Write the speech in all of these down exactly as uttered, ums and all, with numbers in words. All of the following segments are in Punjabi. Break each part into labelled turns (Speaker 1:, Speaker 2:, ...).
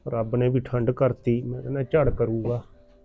Speaker 1: ਰੱਬ ਨੇ ਵੀ ਠੰਡ ਕਰਤੀ, ਮੈਂ ਕਹਿੰਦਾ ਝੜ ਕਰੂਗਾ।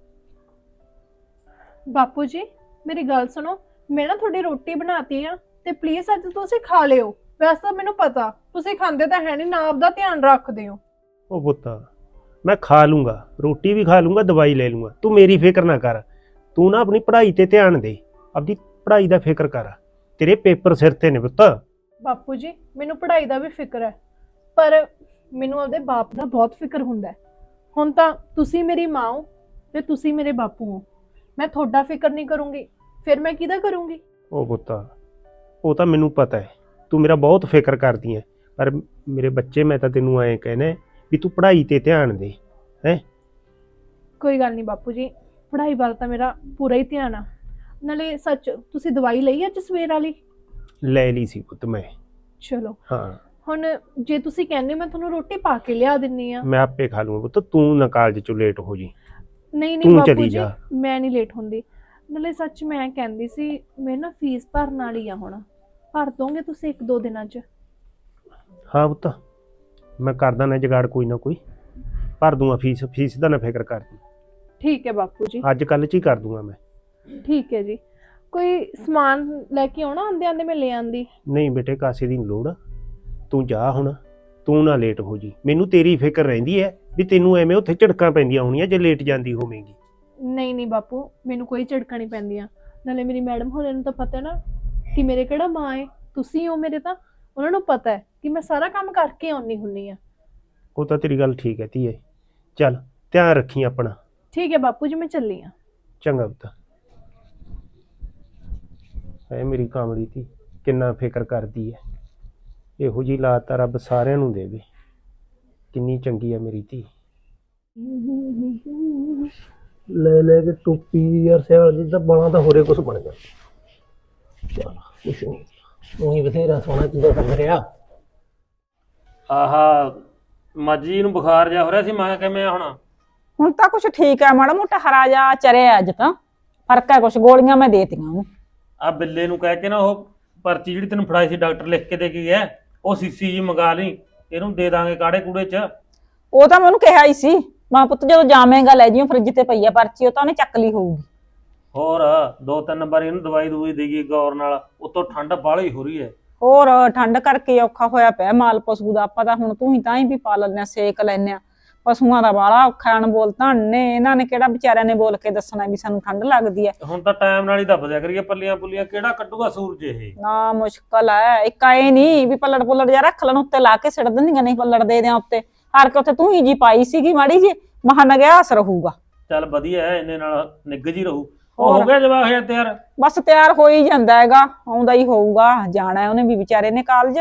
Speaker 2: ਬਾਪੂ ਜੀ ਮੇਰੀ ਗੱਲ ਸੁਣੋ, ਮੈਂ ਨਾ ਤੁਹਾਡੀ ਰੋਟੀ ਬਣਾਤੀ ਆ ਤੇ ਪਲੀਜ਼ ਅੱਜ ਤੁਸੀਂ ਖਾ ਲਿਓ। ਵੈਸੇ ਤਾਂ ਮੈਨੂੰ ਪਤਾ ਤੁਸੀਂ ਖਾਂਦੇ ਤਾਂ ਹੈ ਨਹੀਂ, ਨਾ ਆਪਦਾ ਧਿਆਨ ਰੱਖਦੇ ਹੋ।
Speaker 1: ਉਹ ਪੁੱਤਾ ਮੈਂ ਖਾ ਲੂੰਗਾ, ਰੋਟੀ ਵੀ ਖਾ ਲੂੰਗਾ, ਦਵਾਈ ਲੈ ਲੂੰਗਾ, ਤੂੰ ਮੇਰੀ ਫਿਕਰ ਨਾ ਕਰ। ਤੂੰ ਨਾ ਆਪਣੀ ਪੜ੍ਹਾਈ ਤੇ ਧਿਆਨ ਦੇ, ਆਪਦੀ ਪੜ੍ਹਾਈ ਦਾ ਫਿਕਰ ਕਰ, ਤੇਰੇ ਪੇਪਰ ਸਿਰ ਤੇ ਨੇ ਪੁੱਤ।
Speaker 2: ਬਾਪੂ ਜੀ ਮੈਨੂੰ ਪੜ੍ਹਾਈ ਦਾ ਵੀ ਫਿਕਰ ਹੈ, ਪਰ ਮੈਨੂੰ ਆਪਦੇ ਬਾਪ ਦਾ ਬਹੁਤ ਫਿਕਰ ਹੁੰਦਾ ਹੈ। ਹੁਣ ਤਾਂ ਤੁਸੀਂ ਮੇਰੀ ਮਾਂ ਹੋ ਤੇ ਤੁਸੀਂ ਮੇਰੇ ਬਾਪੂ ਹੋ, ਮੈਂ ਤੁਹਾਡਾ ਫਿਕਰ ਨਹੀਂ ਕਰੂੰਗੀ ਫਿਰ ਮੈਂ ਕਿਹਦਾ ਕਰੂੰਗੀ?
Speaker 1: ਉਹ ਪੁੱਤਾ ਉਹ ਤਾਂ ਮੈਨੂੰ ਪਤਾ ਹੈ ਤੂੰ ਮੇਰਾ ਬਹੁਤ ਫਿਕਰ ਕਰਦੀ ਹੈ, ਪਰ ਮੇਰੇ ਬੱਚੇ ਮੈਂ ਤਾਂ ਤੈਨੂੰ ਐਂ ਕਹਿਣਾ ਵੀ ਤੂੰ ਪੜ੍ਹਾਈ ਤੇ ਧਿਆਨ ਦੇ। ਹੈ
Speaker 2: ਕੋਈ ਗੱਲ ਨਹੀਂ ਬਾਪੂ ਜੀ, ਪੜ੍ਹਾਈ ਵੱਲ ਤਾਂ ਮੇਰਾ ਪੂਰਾ ਹੀ ਧਿਆਨ ਆ। ਨਾਲੇ ਸੱਚ ਤੁਸੀਂ ਦਵਾਈ ਲਈ ਅੱਜ ਸਵੇਰ ਵਾਲੀ?
Speaker 1: ਲੈ ਲਈ ਸੀ ਪੁੱਤ ਮੈਂ।
Speaker 2: ਚਲੋ
Speaker 1: ਹਾਂ
Speaker 2: ਹੁਣ ਜੇ ਤੁਸੀਂ ਕਹਿੰਦੇ ਮੈਂ ਤੁਹਾਨੂੰ ਰੋਟੀ ਪਾ ਕੇ ਲਿਆ ਦਿੰਨੀ ਆ।
Speaker 1: ਮੈਂ ਆਪੇ ਖਾ ਲੂੰਗਾ ਪੁੱਤ, ਤੂੰ ਨਾ ਕਾਲਜ ਚੋਂ ਲੇਟ ਹੋ ਜੀ।
Speaker 2: ਨਹੀਂ ਨਹੀਂ
Speaker 1: ਤੂੰ
Speaker 2: ਬਾਪੂ
Speaker 1: ਚਲੀ
Speaker 2: ਜੀ
Speaker 1: ਜਾ।
Speaker 2: ਮੈਂ ਨਹੀਂ ਲੇਟ ਹੁੰਦੀ। ਨਾਲੇ ਸੱਚ ਮੈਂ ਕਹਿੰਦੀ ਸੀ ਮੈਂ ਨਾ ਫੀਸ ਭਰਨ ਵਾਲੀ ਆ, ਹੁਣ ਭਰ ਦੋਗੇ ਤੁਸੀਂ ਇੱਕ ਦੋ ਦਿਨਾਂ 'ਚ?
Speaker 1: ਹਾਂ ਪੁੱਤ ਮੈਂ ਕਰਦਾ ਨਾ ਜੁਗਾੜ, ਕੋਈ ਨਾ ਕੋਈ ਭਰ ਦੂੰਗਾ ਫੀਸ। ਫੀਸ ਦਾ ਨਾ ਫਿਕਰ ਕਰ ਤੂੰ।
Speaker 2: ਠੀਕ ਹੈ ਬਾਪੂ ਜੀ,
Speaker 1: ਅੱਜ ਕੱਲ੍ਹ 'ਚ ਹੀ ਕਰ ਦੂੰਗਾ ਮੈਂ।
Speaker 2: ਠੀਕ ਹੈ ਜੀ। ਕੋਈ ਸਮਾਨ ਲੈ ਕੇ ਆਉਣਾ? ਆਂਦੇ ਆਂਦੇ ਮੈਂ ਲੈ ਆਂਦੀ।
Speaker 1: ਨਹੀਂ ਬੇਟੇ ਕਾਸੇ ਦੀ ਨੀ ਲੋੜ, ਤੂੰ ਜਾ ਹੁਣ, ਤੂੰ ਨਾ ਲੇਟ ਹੋ ਜੀ। ਮੈਨੂੰ ਤੇਰੀ ਫਿਕਰ ਰਹਿੰਦੀ ਹੈ ਵੀ ਤੈਨੂੰ ਐਵੇਂ ਉੱਥੇ ਝੜਕਾਂ ਪੈਂਦੀਆਂ ਹੋਣੀਆਂ ਜੇ ਲੇਟ ਜਾਂਦੀ ਹੋਵੇਂਗੀ।
Speaker 2: ਨਹੀਂ ਨਹੀਂ ਬਾਪੂ ਮੈਨੂੰ ਕੋਈ ਝੜਕਾਂ ਨਹੀਂ ਪੈਂਦੀਆਂ। ਨਾਲੇ ਮੇਰੀ ਮੈਡਮ ਹੋਰਾਂ ਨੂੰ ਤਾਂ ਪਤਾ ਨਾ ਕਿ ਮੇਰੇ ਕਿਹੜਾ ਮਾਂ ਹੈ, ਤੁਸੀਂ ਹੋ ਮੇਰੇ। ਤਾਂ ਉਹਨਾਂ ਨੂੰ ਪਤਾ ਹੈ ਕਿ ਮੈਂ ਸਾਰਾ ਕੰਮ ਕਰਕੇ ਆਉਣੀ ਹੁੰਨੀ ਆ।
Speaker 1: ਉਹ ਤਾਂ ਤੇਰੀ ਗੱਲ ਠੀਕ ਹੈ ਧੀਏ, ਚੱਲ ਧਿਆਨ ਰੱਖੀ ਆਪਣਾ।
Speaker 2: ਠੀਕ ਹੈ ਬਾਪੂ ਜੀ, ਮੈਂ ਚੱਲੀ ਆ।
Speaker 1: ਚੰਗਾ ਪੁੱਤ। ਐ ਮੇਰੀ ਕਾਮੜੀ ਧੀ ਕਿੰਨਾ ਫਿਕਰ ਕਰਦੀ ਹੈ। ਇਹੋ ਜਿਹੀ ਲਾਤ ਤਾਂ ਰੱਬ ਸਾਰਿਆਂ ਨੂੰ ਦੇਵੇ। ਕਿੰਨੀ ਚੰਗੀ ਹੈ ਮੇਰੀ ਧੀ।
Speaker 3: ਲੈ ਲੈ ਕੇ ਟੋਪੀ ਯਾਰ ਸਿਆਲ ਜੀ ਤਾਂ ਬਾਲਾਂ ਤਾਂ ਹੋਰੇ ਕੁਛ ਬਣ ਗਿਆ। ਚਲ ਕੁਛ ਨਹੀਂ, ਉਹੀ ਬਥੇਰਾ ਸੋਹਣਾ ਚੀਜ਼ਾਂ ਲੱਗ ਰਿਹਾ।
Speaker 4: ਆਹਾ ਮਾਜੀ ਨੂੰ ਬੁਖਾਰ ਜਾ ਹੋ ਰਿਹਾ ਸੀ, ਮੈਂ ਕਿਵੇਂ ਹੁਣ?
Speaker 5: ਹੁਣ ਤਾਂ ਕੁਛ ਠੀਕ ਹੈ, ਮਾੜਾ ਮੋਟਾ ਹਰਾ ਜਾ ਚਰਿਆ ਅੱਜ ਤਾਂ ਫਰਕ ਹੈ ਕੁਛ। ਗੋਲੀਆਂ ਮੈਂ ਦੇਤੀਆਂ ਉਹਨੂੰ।
Speaker 4: ਆ ਬਿੱਲੇ ਨੂੰ ਕਹਿ ਕੇ ਨਾ ਉਹ ਪਰਚੀ ਜਿਹੜੀ ਤੈਨੂੰ ਫੜਾਈ ਸੀ ਡਾਕਟਰ ਲਿਖ ਕੇ ਦੇ ਕੇ ਗਿਆ, ਉਹ ਸੀਸੀ ਜੀ ਮੰਗਾ ਲਈ, ਇਹਨੂੰ ਦੇ ਦਾਂਗੇ ਕਾੜੇ ਕੂੜੇ ਚ।
Speaker 5: ਉਹ ਤਾਂ ਮੈਂ ਉਹਨੂੰ ਕਿਹਾ ਹੀ ਸੀ, ਮਾਂ ਪੁੱਤ ਜਦੋਂ ਜਾਵੇਂਗਾ ਲੈ ਜਿਓ, ਫਰਿੱਜ ਤੇ ਪਈ ਆ ਪਰਚੀ, ਉਹ ਤਾਂ ਉਹਨੇ ਚੱਕ ਲਈ ਹੋਊਗੀ।
Speaker 4: ਹੋਰ ਦੋ ਤਿੰਨ ਵਾਰੀ ਇਹਨੂੰ ਦਵਾਈ ਦਵਾਈ ਦੇਈਏ ਗੌਰ ਨਾਲ, ਉਤੋਂ ਠੰਡ ਬਾਹਲੀ ਹੋ ਰਹੀ ਹੈ।
Speaker 5: ਹੋਰ ਠੰਡ ਕਰਕੇ ਔਖਾ ਹੋਇਆ ਪਿਆ ਮਾਲ ਪਸ਼ੂ ਦਾ। ਆਪਾਂ ਤਾਂ ਹੁਣ ਤੂੰ ਹੀ ਤਾਂ ਹੀ ਵੀ ਪਾ ਲੈਂਦੇ ਆ, ਸੇਕ ਲੈਂਦੇ ਆ। ਪਸ਼ੂਆਂ ਦਾ ਬਾਹਲਾ ਔਖਾ ਅਣਬੋਲ ਧੰਨੇ, ਇਹਨਾਂ ਨੇ ਕਿਹੜਾ ਵਿਚਾਰਿਆਂ ਨੇ ਬੋਲ ਕੇ ਦੱਸਣਾ ਵੀ ਸਾਨੂੰ ਠੰਡ ਲੱਗਦੀ ਹੈ।
Speaker 4: ਹੁਣ ਤਾਂ ਟਾਈਮ ਨਾਲ ਹੀ ਦੱਬ ਦਿਆ ਕਰੀਏ ਪੱਲੀਆਂ ਪੁੱਲੀਆਂ, ਕਿਹੜਾ ਕੱਢੂਗਾ ਸੂਰਜ ਇਹ।
Speaker 5: ਨਾ ਮੁਸ਼ਕਲ ਹੈ, ਇੱਕ ਆਏ ਨਹੀਂ ਵੀ ਪੱਲੜ ਪੁੱਲੜ ਜਿਹਾ ਰੱਖ ਲੈਣ ਉੱਤੇ ਲਾ ਕੇ ਸਿੱਟ ਦਿੰਦੀਆਂ, ਨਹੀਂ ਪੱਲੜ ਦੇ ਦਿਆਂ ਉੱਤੇ ਹਾਰ ਕੇ। ਉੱਥੇ ਤੂੰ ਹੀ ਜੀ ਪਾਈ ਸੀਗੀ ਮਾੜੀ ਜੀ, ਮਹਾਂ ਨਗਿਆਸ ਰਹੂਗਾ।
Speaker 4: ਚੱਲ ਵਧੀਆ ਹੈ, ਇੰਨੇ ਨਾਲ ਨਿੱਘ ਜੀ ਰਹੂ। ਉਹ ਹੋ ਗਿਆ ਜਵਾਬ ਹੈ ਤਿਆਰ?
Speaker 5: ਬਸ ਤਿਆਰ ਹੋ ਹੀ ਜਾਂਦਾ ਹੈਗਾ, ਆਉਂਦਾ ਹੀ ਹੋਊਗਾ। ਜਾਣਾ ਉਹਨੇ ਵੀ ਵਿਚਾਰੇ ਨੇ ਕਾਲਜ,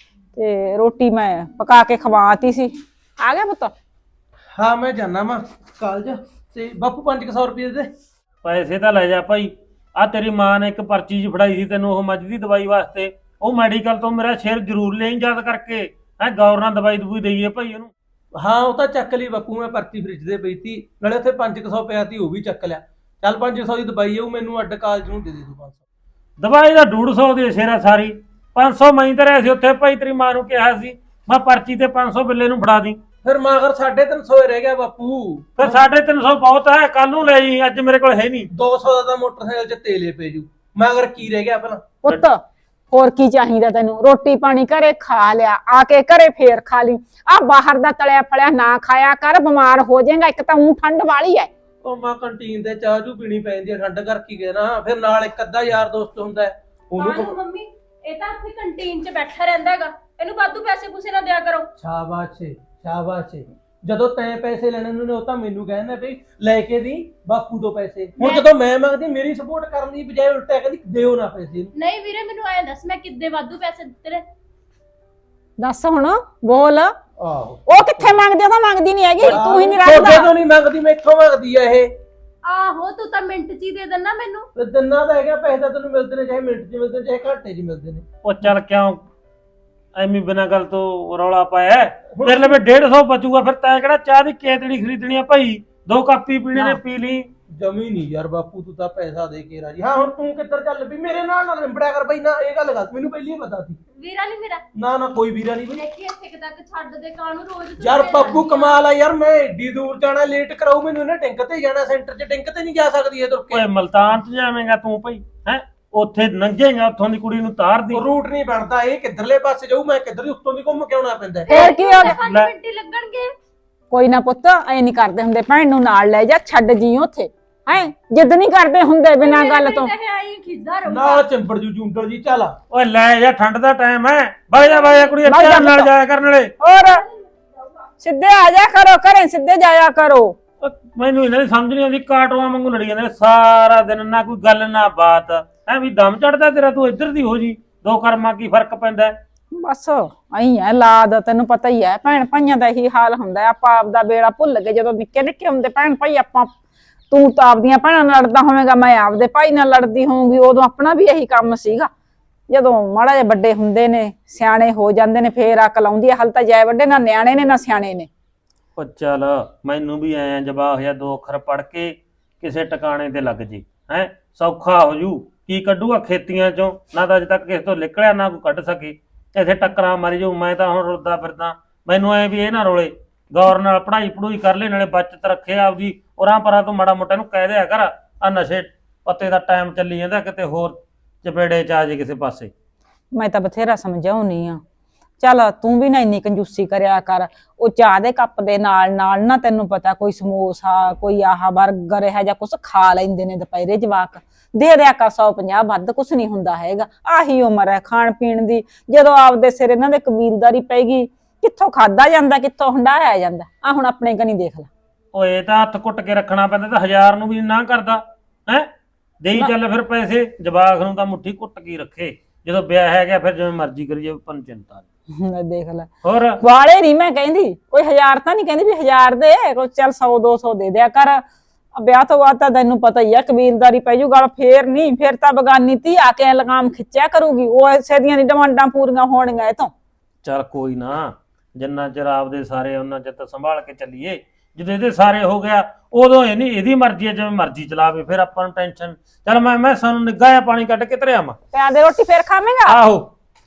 Speaker 5: ਤੇ ਰੋਟੀ ਮੈਂ ਪਕਾ ਕੇ ਖਵਾਤੀ ਸੀ। ਆ ਗਿਆ ਪੁੱਤ?
Speaker 3: ਹਾਂ ਮੈਂ ਜਾਣਾ ਵਾ ਕਾਲਜ, ਤੇ ਬਾਪੂ ਪੰਜ ਸੌ ਰੁਪਏ ਦੇ।
Speaker 4: ਪੈਸੇ ਤਾਂ ਲੈ ਜਾ ਭਾਈ। ਆ ਤੇਰੀ ਮਾਂ ਨੇ ਇੱਕ ਪਰਚੀ ਜੀ ਫੜਾਈ ਸੀ ਤੈਨੂੰ ਉਹ ਮੱਝ ਦੀ ਦਵਾਈ ਵਾਸਤੇ, ਉਹ ਮੈਡੀਕਲ ਤੋਂ ਮੇਰਾ ਸ਼ੇਰ ਜ਼ਰੂਰ ਲੈ ਯਾਦ ਕਰਕੇ। ਹੈ ਗੌਰ ਨਾਲ ਦਵਾਈ ਦਵਾਈ ਦਈਏ ਭਾਈ ਉਹਨੂੰ।
Speaker 3: ਹਾਂ ਉਹ ਤਾਂ ਚੱਕ ਲਈ ਬਾਪੂ, ਮੈਂ ਪਰਚੀ ਫਰਿੱਜ ਦੇ ਪਈ ਤੀ, ਨਾਲੇ ਉੱਥੇ ਪੰਜ ਸੌ ਪਿਆ ਤੀ, ਉਹ ਵੀ ਚੱਕ ਲਿਆ। ਚੱਲ ਪੰਜ ਸੌ ਦੀ ਦਵਾਈ ਆਊ, ਮੈਨੂੰ ਅੱਡ ਕਾਲਜ ਨੂੰ ਦੇ ਦੇ ਤੂੰ ਪੰਜ ਸੌ।
Speaker 4: ਦਵਾਈ ਦਾ ਡੂਢ ਸੌ ਦੀ ਸ਼ੇਰਾ ਸਾਰੀ, ਪੰਜ ਸੌ ਮੈਂ ਧਰਿਆ ਸੀ ਉੱਥੇ ਭਾਈ। ਤੇਰੀ ਮਾਂ ਨੂੰ ਕਿਹਾ ਸੀ ਮੈਂ ਪਰਚੀ ਤੇ ਪੰਜ ਸੌ ਬਿੱਲੇ ਨੂੰ ਫੜਾ ਦੀ।
Speaker 3: ਫਿਰ ਮਾਗਰ ਸਾਢੇ ਤਿੰਨ ਸੌ ਰਹਿ ਗਿਆ ਬਾਪੂ।
Speaker 4: ਫਿਰ ਸਾਢੇ ਤਿੰਨ ਸੌ ਬਹੁਤ ਹੈ, ਕੱਲ ਨੂੰ ਲੈ ਜੀ, ਅੱਜ ਮੇਰੇ ਕੋਲ ਹੈ ਨਹੀਂ।
Speaker 3: ਦੋ ਸੌ ਦਾ ਤਾਂ ਮੋਟਰਸਾਈਕਲ 'ਚ ਤੇਲੇ ਪੈ ਜੂ। ਮਾਗਰ ਕੀ ਰਹਿ ਗਿਆ ਪਹਿਲਾਂ?
Speaker 5: ਪੁੱਤ ਹੋਰ ਕੀ ਚਾਹੀਦਾ ਤੈਨੂੰ? ਰੋਟੀ ਪਾਣੀ ਘਰੇ ਖਾ ਲਿਆ, ਆ ਕੇ ਘਰੇ ਫੇਰ ਖਾ ਲਈ। ਆ ਬਾਹਰ ਦਾ ਤਲਿਆ ਫਲਿਆ ਨਾ ਖਾਇਆ ਕਰ, ਬਿਮਾਰ ਹੋ ਜਾਏਗਾ। ਇੱਕ ਤਾਂ ਊਂ ਠੰਡ ਵਾਲੀ ਐ।
Speaker 3: ਉਹ ਮਾਂ ਕੰਟੀਨ ਤੇ ਚਾਹ ਚੂ ਪੀਣੀ ਪੈਂਦੀ ਹੈ, ਠੰਡ ਕਰਕੇ ਗਏ ਨਾ। ਫਿਰ ਨਾਲ ਇੱਕ ਅੱਧਾ ਯਾਰ ਦੋਸਤ ਹੁੰਦਾ ਹੈ, ਉਹਨੂੰ।
Speaker 2: ਮੰਮੀ ਇਹ ਤਾਂ ਉੱਥੇ ਕੰਟੀਨ 'ਚ ਬੈਠਾ ਰਹਿੰਦਾ ਹੈਗਾ, ਇਹਨੂੰ ਵਾਧੂ ਪੈਸੇ ਪੂਸੇ ਨਾ ਦਿਆ ਕਰੋ।
Speaker 3: ਸ਼ਾਬਾਸ਼ ਏ ਸ਼ਾਬਾਸ਼ ਏ। ਜਦੋਂ ਤੈਂ ਪੈਸੇ ਲੈਣੇ ਨੇ ਉਹ ਤਾਂ ਮੈਨੂੰ ਕਹਿੰਦਾ ਬਈ ਲੈ ਕੇ ਦੀ ਬਾਪੂ ਤੋਂ ਪੈਸੇ। ਹੁਣ ਜਦੋਂ ਮੈਂ ਮੰਗਦੀ ਮੇਰੀ ਸਪੋਰਟ ਕਰਨ ਦੀ ਬਜਾਏ ਉਲਟਾ ਕਹਿੰਦੀ ਦਿਓ ਨਾ ਪੈਸੇ।
Speaker 6: ਨਹੀਂ ਵੀਰੇ ਮੈਨੂੰ ਆਇਆ ਦੱਸ ਮੈਂ ਕਿੱਦੇ ਵਾਧੂ ਪੈਸੇ ਦਿੱਤੇ ਨੇ?
Speaker 5: ਦੱਸ ਹੁਣ ਬੋਲ।
Speaker 3: ਆਹੋ
Speaker 5: ਉਹ ਕਿੱਥੇ ਮੰਗਦੇ? ਉਹ ਤਾਂ ਮੰਗਦੀ ਨਹੀਂ ਹੈਗੀ, ਤੂੰ ਹੀ ਨਹੀਂ ਰੱਖਦਾ।
Speaker 3: ਤੁਹਾਡੇ ਤੋਂ ਨਹੀਂ ਮੰਗਦੀ, ਮੈਥੋਂ ਮੰਗਦੀ ਆ ਇਹ।
Speaker 6: ਆਹੋ ਤੂੰ ਤਾਂ ਮਿੰਟ ਚ ਹੀ ਦੇ ਦੇਣਾ ਮੈਨੂੰ।
Speaker 3: ਤੇ ਦਿਨਾਂ ਦਾ ਹੈਗਾ, ਪੈਸੇ ਤਾਂ ਤੈਨੂੰ ਮਿਲਦੇ ਨੇ, ਚਾਹੇ ਮਿੰਟ 'ਚ ਮਿਲਦੇ ਨੇ ਚਾਹੇ ਘੰਟੇ 'ਚ ਮਿਲਦੇ ਨੇ।
Speaker 4: ਉਹ ਚੱਲ ਕਿਉਂ ਐਵੇਂ ਬਿਨਾਂ ਗੱਲ ਤੋਂ ਰੌਲਾ ਪਾਇਆ? ਤੇਰੇ ਲਈ ਡੇਢ ਸੌ ਬਚੂਗਾ, ਫਿਰ ਤੈਂ ਕਿਹੜਾ ਚਾਹ ਦੀ ਕੇਤੜੀ ਖਰੀਦਣੀ ਆ ਭਾਈ? ਦੋ ਕੱਪ ਹੀ ਪੀਣੇ ਨੇ, ਪੀ ਲਈ।
Speaker 3: ਜਮੀ ਨਹੀਂ ਯਾਰ ਬਾਪੂ ਤੂੰ ਤਾਂ ਪੈਸਾ ਦੇ ਕੇ ਰਾਜੀ। ਹਾਂ ਹੁਣ ਤੂੰ ਕਿੱਧਰ ਚੱਲ ਪਈ ਮੇਰੇ ਨਾਲ ਨਾ ਲਿੰਬੜਿਆ ਕਰ ਬਈ ਨਾ, ਇਹ ਗੱਲ ਦੱਸ ਮੈਨੂੰ ਪਹਿਲੀ ਹੀ ਪਤਾ ਸੀ।
Speaker 6: ਵੀਰਾ ਨਹੀਂ ਮੇਰਾ
Speaker 3: ਨਾ ਨਾ ਕੋਈ ਵੀਰਾ ਨਹੀਂ ਬਈ।
Speaker 6: ਦੇਖੀ ਇੱਥੇ ਤੱਕ ਛੱਡ ਦੇ ਕਾਹਨੂੰ ਰੋਜ਼ ਤੂੰ
Speaker 3: ਯਾਰ
Speaker 6: ਮੇਰੇ
Speaker 3: ਬਾਪੂ
Speaker 6: ਨਾਲ
Speaker 3: ਕਮਾਲ ਆ ਯਾਰ, ਮੈਂ ਏਡੀ ਦੂਰ ਜਾਣਾ ਲੇਟ ਕਰਾਉ ਮੈਨੂੰ, ਇਹਨੇ ਟਿੰਕ ਤੇ ਜਾਣਾ ਸੈਂਟਰ 'ਚ, ਟਿੰਕ ਤੇ ਨਹੀਂ ਜਾ ਸਕਦੀ ਇਹ ਤੁਰ ਕੇ।
Speaker 4: ਓਏ ਮਲਤਾਨ ਚ ਜਾਵੇਂਗਾ ਤੂੰ ਭਾਈ ਹੈ ਉੱਥੇ ਲੰਘੇਗਾ ਉੱਥੋਂ ਦੀ ਕੁੜੀ ਨੂੰ ਤਾਰ ਦੀ
Speaker 3: ਉਹ ਰੂਟ ਨਹੀਂ ਬਣਦਾ, ਇਹ ਕਿੱਧਰਲੇ ਪਾਸੇ ਜਾਊ, ਮੈਂ ਕਿੱਧਰ ਦੀ ਉੱਤੋਂ ਦੀ ਘੁੰਮ ਕੇ ਆਉਣਾ ਪੈਂਦਾ।
Speaker 5: ਫੇਰ ਕੀ ਹੋ ਗਿਆ?
Speaker 6: ਪੰਜ
Speaker 4: ਲੈ।
Speaker 6: ਮਿੰਟ ਹੀ ਲੱਗਣਗੇ।
Speaker 5: ਕੋਈ ਨਾ ਪੁੱਤ ਐ ਨਹੀਂ ਕਰਦੇ ਹੁੰਦੇ, ਭੈਣ ਨੂੰ ਨਾਲ ਲੈ ਜਾ, ਛੱਡ ਜੀ ਉੱਥੇ ਹੈ, ਜਿੱਦ ਨਹੀਂ ਕਰਦੇ ਹੁੰਦੇ ਬਿਨਾਂ ਗੱਲ ਤੋਂ।
Speaker 6: ਆਈ ਖਿੱਚਦਾ ਰਹੂਗਾ
Speaker 3: ਨਾ ਚੰਬੜ ਜੂ ਜੂੰਡਲ ਜੀ ਚੱਲ।
Speaker 4: ਓਏ ਲੈ ਜਾ ਠੰਡ ਦਾ ਟਾਈਮ ਹੈ ਬਾਈ ਜਾ ਬਾਈ ਜਾ ਕੁੜੀ
Speaker 5: ਬਾਈ ਜਾ
Speaker 4: ਅੱਛਾ ਨਾਲ
Speaker 5: ਪੁੱਤ।
Speaker 4: ਜਾਇਆ ਕਰਨ ਵਾਲੇ।
Speaker 5: ਹੋਰ ਸਿੱਧੇ ਆ ਜਾ ਕਰੋ, ਘਰੇ ਸਿੱਧੇ ਜਾਇਆ ਕਰੋ।
Speaker 4: ਓ ਮੈਨੂੰ ਇਹਨਾਂ ਦੀ ਸਮਝ ਨਹੀਂ ਆਉਂਦੀ, ਕਾਟੋਆਂ ਵਾਂਗੂ ਲੜੀ ਜਾਂਦੇ ਨੇ ਸਾਰਾ ਦਿਨ, ਨਾ ਕੋਈ ਗੱਲ ਨਾ ਬਾਤ। ਐ ਵੀ ਦਮ ਚੜਦਾ ਤੇਰਾ, ਤੂੰ ਇੱਧਰ ਦੀ ਹੋ ਜੀ, ਦੋ ਕਰਮਾਂ ਕੀ ਫਰਕ ਪੈਂਦਾ ਹੈ?
Speaker 5: ਬਸ ਐਂ ਹੈ ਲਾਦ, ਤੈਨੂੰ ਪਤਾ ਹੀ ਹੈ ਭੈਣ ਭਾਈਆਂ ਦਾ ਇਹੀ ਹਾਲ ਹੁੰਦਾ ਹੈ। ਆਪਾਂ ਆਪਦਾ ਬੇੜਾ ਭੁੱਲ ਗਏ ਜਦੋਂ ਨਿੱਕੇ ਨਿੱਕੇ ਹੁੰਦੇ ਭੈਣ ਭਾਈ। ਆਪਾਂ ਤੂੰ ਤਾਂ ਆਪਦੀਆਂ ਭੈਣਾਂ ਨਾਲ ਲੜਦਾ ਹੋਵੇਂਗਾ, ਮੈਂ ਆਪਦੇ ਭਾਈ ਨਾਲ ਲੜਦੀ ਹੋਊਂਗੀ, ਉਦੋਂ ਆਪਣਾ ਵੀ ਇਹੀ ਕੰਮ ਸੀਗਾ। ਜਦੋਂ ਮਾੜਾ ਜਿਹਾ ਵੱਡੇ ਹੁੰਦੇ ਨੇ, ਸਿਆਣੇ ਹੋ ਜਾਂਦੇ ਨੇ, ਫੇਰ ਅਕਲ ਆਉਂਦੀ ਹੈ। ਹਲ ਤਾਂ ਜੈ ਵੱਡੇ ਨਾ ਨਿਆਣੇ ਨੇ ਨਾ ਸਿਆਣੇ ਨੇ।
Speaker 4: ਓ ਚੱਲ ਮੈਨੂੰ ਵੀ ਐਂ ਜਵਾਬ ਹੋਇਆ, ਦੋ ਅੱਖਰ ਪੜ ਕੇ ਕਿਸੇ ਟਿਕਾਣੇ ਤੇ ਲੱਗ ਜੇ ਹੈ, ਸੌਖਾ ਹੋ ਜੂ। ਕੀ ਕੱਢੂਗਾ ਖੇਤੀਆਂ ਚੋਂ, ਨਾ ਤਾਂ ਅਜੇ ਤੱਕ ਕਿਸੇ ਤੋਂ ਨਿਕਲਿਆ ਨਾ ਕੋਈ ਕੱਢ ਸਕੇ, ਇੱਥੇ ਟੱਕਰਾਂ ਮਾਰੀ ਜਾਊ। ਮੈਂ ਤਾਂ ਹੁਣ ਰੁੱਦਾ ਫਿਰਦਾ, ਮੈਨੂੰ ਐ ਵੀ ਇਹ ਨਾ ਰੋਲੇ, ਗੌਰ ਨਾਲ ਪੜ੍ਹਾਈ ਪੜੂਈ ਕਰ ਲੈ, ਨਾਲੇ ਬਚਤ ਰੱਖੇ ਆਪਦੀ, ਉਰਾਂ ਪਰਾਂ ਤੋਂ ਮਾੜਾ ਮੋਟਾ ਨੂੰ ਕਹਿ ਦਿਆ ਕਰ ਆ ਨਸ਼ੇ ਪੱਤੇ ਦਾ ਟਾਈਮ ਚੱਲੀ ਜਾਂਦਾ, ਕਿਤੇ ਹੋਰ ਚਪੇੜੇ ਚ ਆ ਜੇ ਕਿਸੇ ਪਾਸੇ।
Speaker 5: ਮੈਂ ਤਾਂ ਬਥੇਰਾ ਸਮਝਾਉਣੀ ਆ, ਚੱਲ ਤੂੰ ਵੀ ਨਾ ਇੰਨੀ ਕੰਜੂਸੀ ਕਰਿਆ ਕਰ। ਉਹ ਚਾਹ ਦੇ ਕੱਪ ਦੇ ਨਾਲ ਨਾਲ ਨਾ ਤੈਨੂੰ ਪਤਾ ਕੋਈ ਸਮੋਸਾ, ਕੋਈ ਆਹ ਬਰਗਰ ਹੈ ਜਾਂ ਕੁਛ ਖਾ ਲੈਂਦੇ ਨੇ ਦੁਪਹਿਰੇ ਜਵਾਕ, ਦੇ ਦਿਆ ਕਰ ਸੌ ਪੰਜਾਹ, ਵੱਧ ਕੁਛ ਨਹੀਂ ਹੁੰਦਾ ਹੈਗਾ। ਆਹੀ ਉਮਰ ਹੈ ਖਾਣ ਪੀਣ ਦੀ, ਜਦੋਂ ਆਪਦੇ ਸਿਰ ਇਹਨਾਂ ਦੇ ਕਬੀਲਦਾਰੀ ਪੈਗੀ, ਕਿੱਥੋਂ ਖਾਦਾ ਜਾਂਦਾ, ਕਿੱਥੋਂ ਹੰਡਾਇਆ ਜਾਂਦਾ। ਆ ਹੁਣ ਆਪਣੇ ਕਨੀ ਦੇਖ ਲੈ।
Speaker 4: ਓਏ ਤਾਂ ਹੱਥ ਕੁੱਟ ਕੇ ਰੱਖਣਾ ਪੈਂਦਾ, ਤਾਂ ਹਜ਼ਾਰ ਨੂੰ ਵੀ ਨਾ ਕਰਦਾ ਹੈ, ਦੇਈ ਚੱਲ ਫਿਰ ਪੈਸੇ। ਜਵਾਕ ਨੂੰ ਤਾਂ ਮੁੱਠੀ ਕੁੱਟ ਕੇ ਰੱਖੇ, ਜਦੋਂ ਵਿਆਹ ਹੈ ਗਿਆ ਫਿਰ ਜਿਵੇਂ ਮਰਜ਼ੀ ਕਰੀਏ, ਆਪਾਂ ਨੂੰ ਚਿੰਤਾ ਨਹੀਂ।
Speaker 5: ਲੈ ਦੇਖ ਲੈ,
Speaker 4: ਹੋਰ
Speaker 5: ਵਾਲੇ ਨਹੀਂ ਮੈਂ ਕਹਿੰਦੀ, ਕੋਈ ਹਜ਼ਾਰ ਤਾਂ ਨਹੀਂ ਕਹਿੰਦੀ ਵੀ ਹਜ਼ਾਰ ਦੇ, ਕੋਈ ਚੱਲ ਸੌ ਦੋ ਸੌ ਦੇ ਦਿਆ ਕਰ। ਵਿਆਹ ਤੋਂ ਬਾਅਦ ਤਾਂ ਤੈਨੂੰ ਪਤਾ ਹੀ ਆ ਕਬੀਲਦਾਰੀ ਪੈ ਜੂ ਗੱਲ, ਫੇਰ ਨਹੀਂ, ਫੇਰ ਤਾਂ ਬਗਾਨੀ ਧੀ ਆ ਕੇ ਲਗਾਮ ਖਿੱਚਿਆ ਕਰੂਗੀ, ਉਹ ਐਸੇ ਦੀਆਂ ਦੀ ਡਿਮਾਂਡਾਂ ਪੂਰੀਆਂ ਹੋਣਗੀਆਂ ਇਹ ਤੋਂ।
Speaker 4: ਚੱਲ ਕੋਈ ਨਾ, ਜਿੰਨਾ ਚਿਰ ਆਪਦੇ ਸਾਰੇ ਉਹਨਾਂ ਚਿਰ ਤਾਂ ਸੰਭਾਲ ਕੇ ਚੱਲੀਏ, ਜਦੋਂ ਇਹਦੇ ਸਾਰੇ ਹੋ ਗਿਆ ਉਦੋਂ ਇਹ ਨਹੀਂ, ਇਹਦੀ ਮਰਜ਼ੀ ਹੈ, ਜਿਵੇਂ ਮਰਜ਼ੀ ਚਲਾਵੇ, ਫਿਰ ਆਪਾਂ ਨੂੰ ਟੈਨਸ਼ਨ। ਚੱਲ ਮੈਂ ਮੈਂ ਸਾਨੂੰ ਨਿੱਘਾ ਜਿਹਾ ਪਾਣੀ ਕੱਢ ਕੇ ਧਰਿਆ ਮਾ।
Speaker 5: ਤੇ ਆਦੇ ਰੋਟੀ ਫੇਰ ਖਾਵੇਂਗਾ?
Speaker 4: ਆਹੋ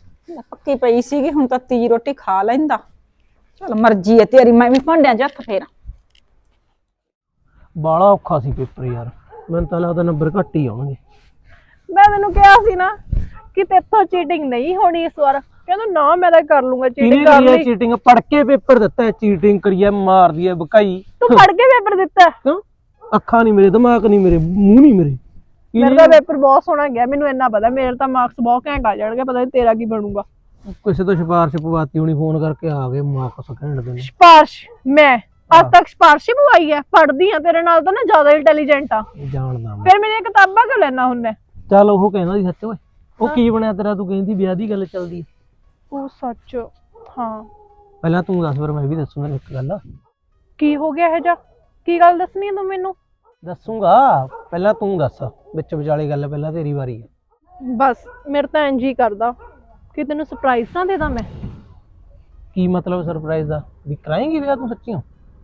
Speaker 5: ਪੱਕੀ ਪਈ ਸੀਗੀ, ਹੁਣ ਤਾਂ ਤੀਜੀ ਰੋਟੀ ਖਾ ਲੈਂਦਾ। ਚੱਲ ਮਰਜ਼ੀ ਹੈ ਤੇਰੀ, ਮੈਂ ਵੀ ਭਾਂਡਿਆਂ 'ਚ ਹੱਥ ਫੇਰਾਂ।
Speaker 3: ਬਾਲਾ ਔਖਾ ਸੀ ਪੇਪਰ ਯਾਰ, ਮੈਨੂੰ ਤਾਂ ਲੱਗਦਾ ਨੰਬਰ ਘੱਟ ਹੀ ਆਉਣਗੇ।
Speaker 2: ਮੈਂ ਤੈਨੂੰ ਕਿਹਾ ਸੀ ਨਾ ਕਿ ਤੇਥੋਂ ਚੀਟਿੰਗ ਨਹੀਂ ਹੋਣੀ ਇਸ ਵਾਰ। ਕਹਿੰਦਾ ਨਾ ਮੈਂ ਤਾਂ ਕਰ ਲੂੰਗਾ ਚੀਟਿੰਗ।
Speaker 3: ਕਿਹਨੇ
Speaker 2: ਕਰ
Speaker 3: ਕਰੀ
Speaker 2: ਲਈ
Speaker 3: ਚੀਟਿੰਗ? ਪੜ ਕੇ ਪੇਪਰ ਦਿੱਤਾ ਹੈ, ਚੀਟਿੰਗ ਕਰੀ ਹੈ, ਮਾਰਦੀ ਹੈ ਬਕਾਈ।
Speaker 2: ਤੂੰ ਪੜ ਕੇ ਪੇਪਰ ਦਿੱਤਾ?
Speaker 3: ਕਿਉਂ? ਅੱਖਾਂ ਨਹੀਂ ਮੇਰੇ, ਦਿਮਾਗ ਨਹੀਂ ਮੇਰੇ, ਮੂੰਹ ਨਹੀਂ ਮੇਰੇ।
Speaker 2: ਮੇਰਾ ਤਾਂ ਪੇਪਰ ਬਹੁਤ ਸੋਹਣਾ ਗਿਆ, ਮੈਨੂੰ ਇੰਨਾ ਪਤਾ ਮੇਰੇ ਤਾਂ ਮਾਰਕਸ ਬਹੁਤ ਘੈਂਟ ਆ ਜਾਣਗੇ, ਪਤਾ ਨਹੀਂ ਤੇਰਾ ਕੀ ਬਣੂਗਾ।
Speaker 3: ਕਿਸੇ ਤੋਂ ਸਿਫਾਰਿਸ਼ ਪਵਾਤੀ ਹੋਣੀ, ਫੋਨ ਕਰਕੇ ਆ ਗਏ ਮਾਰਕਸ ਘੈਂਟ ਦੇ ਨੇ।
Speaker 2: ਸਿਫਾਰਿਸ਼? ਮੈਂ ਅੱਜ ਤੱਕ ਸਿਫਾਰਿਸ਼ ਹੀ ਪਵਾਈ ਹੈ? ਪੜਦੀ ਆ ਤੇਰੇ ਨਾਲ ਤਾਂ ਨਾ ਜ਼ਿਆਦਾ ਇੰਟੈਲੀਜੈਂਟ ਆ।
Speaker 3: ਜਾਣਦਾ ਮੈਂ।
Speaker 2: ਫਿਰ ਮੇਰੀਆਂ ਕਿਤਾਬਾਂ ਕਿਉਂ ਲੈਣਾ ਹੁੰਨੇ?
Speaker 3: ਚੱਲ ਉਹ ਕਹਿੰਦਾ ਸੀ ਸੱਚ ਓਏ, ਉਹ ਕੀ ਬਣਿਆ ਤੇਰਾ? ਤੂੰ ਕਹਿੰਦੀ ਵਿਆਹ ਦੀ ਗੱਲ ਚੱਲਦੀ।
Speaker 2: ਉਹ ਸੱਚ? ਹਾਂ।
Speaker 3: ਪਹਿਲਾਂ ਤੂੰ ਦੱਸ, ਫਿਰ ਮੈਂ ਵੀ ਦੱਸੂਗਾ ਇੱਕ ਗੱਲ।
Speaker 2: ਕੀ ਹੋ ਗਿਆ ਇਹ ਜਾ? ਕੀ ਗੱਲ ਦੱਸਣੀ ਹੈ ਤੂੰ ਮੈਨੂੰ?
Speaker 3: ਦੱਸੂਗਾ, ਪਹਿਲਾਂ ਤੂੰ ਦੱਸ, ਵਿੱਚ ਵਿਚਾਲੇ ਗੱਲ ਪਹਿਲਾਂ ਤੇਰੀ ਵਾਰੀ ਹੈ।
Speaker 2: ਬਸ ਮੇਰੇ ਤਾਂ ਇੰਜ ਹੀ ਕਰਦਾ ਕਿ ਤੈਨੂੰ ਸਰਪ੍ਰਾਈਜ਼ ਨਾ ਦੇ ਦਾਂ ਮੈਂ।
Speaker 3: ਕੀ ਮਤਲਬ ਸਰਪ੍ਰਾਈਜ਼ ਦਾ? ਵੀ ਕਰਾਏਂਗੀ ਵਿਆਹ ਤੂੰ ਸੱਚੀ?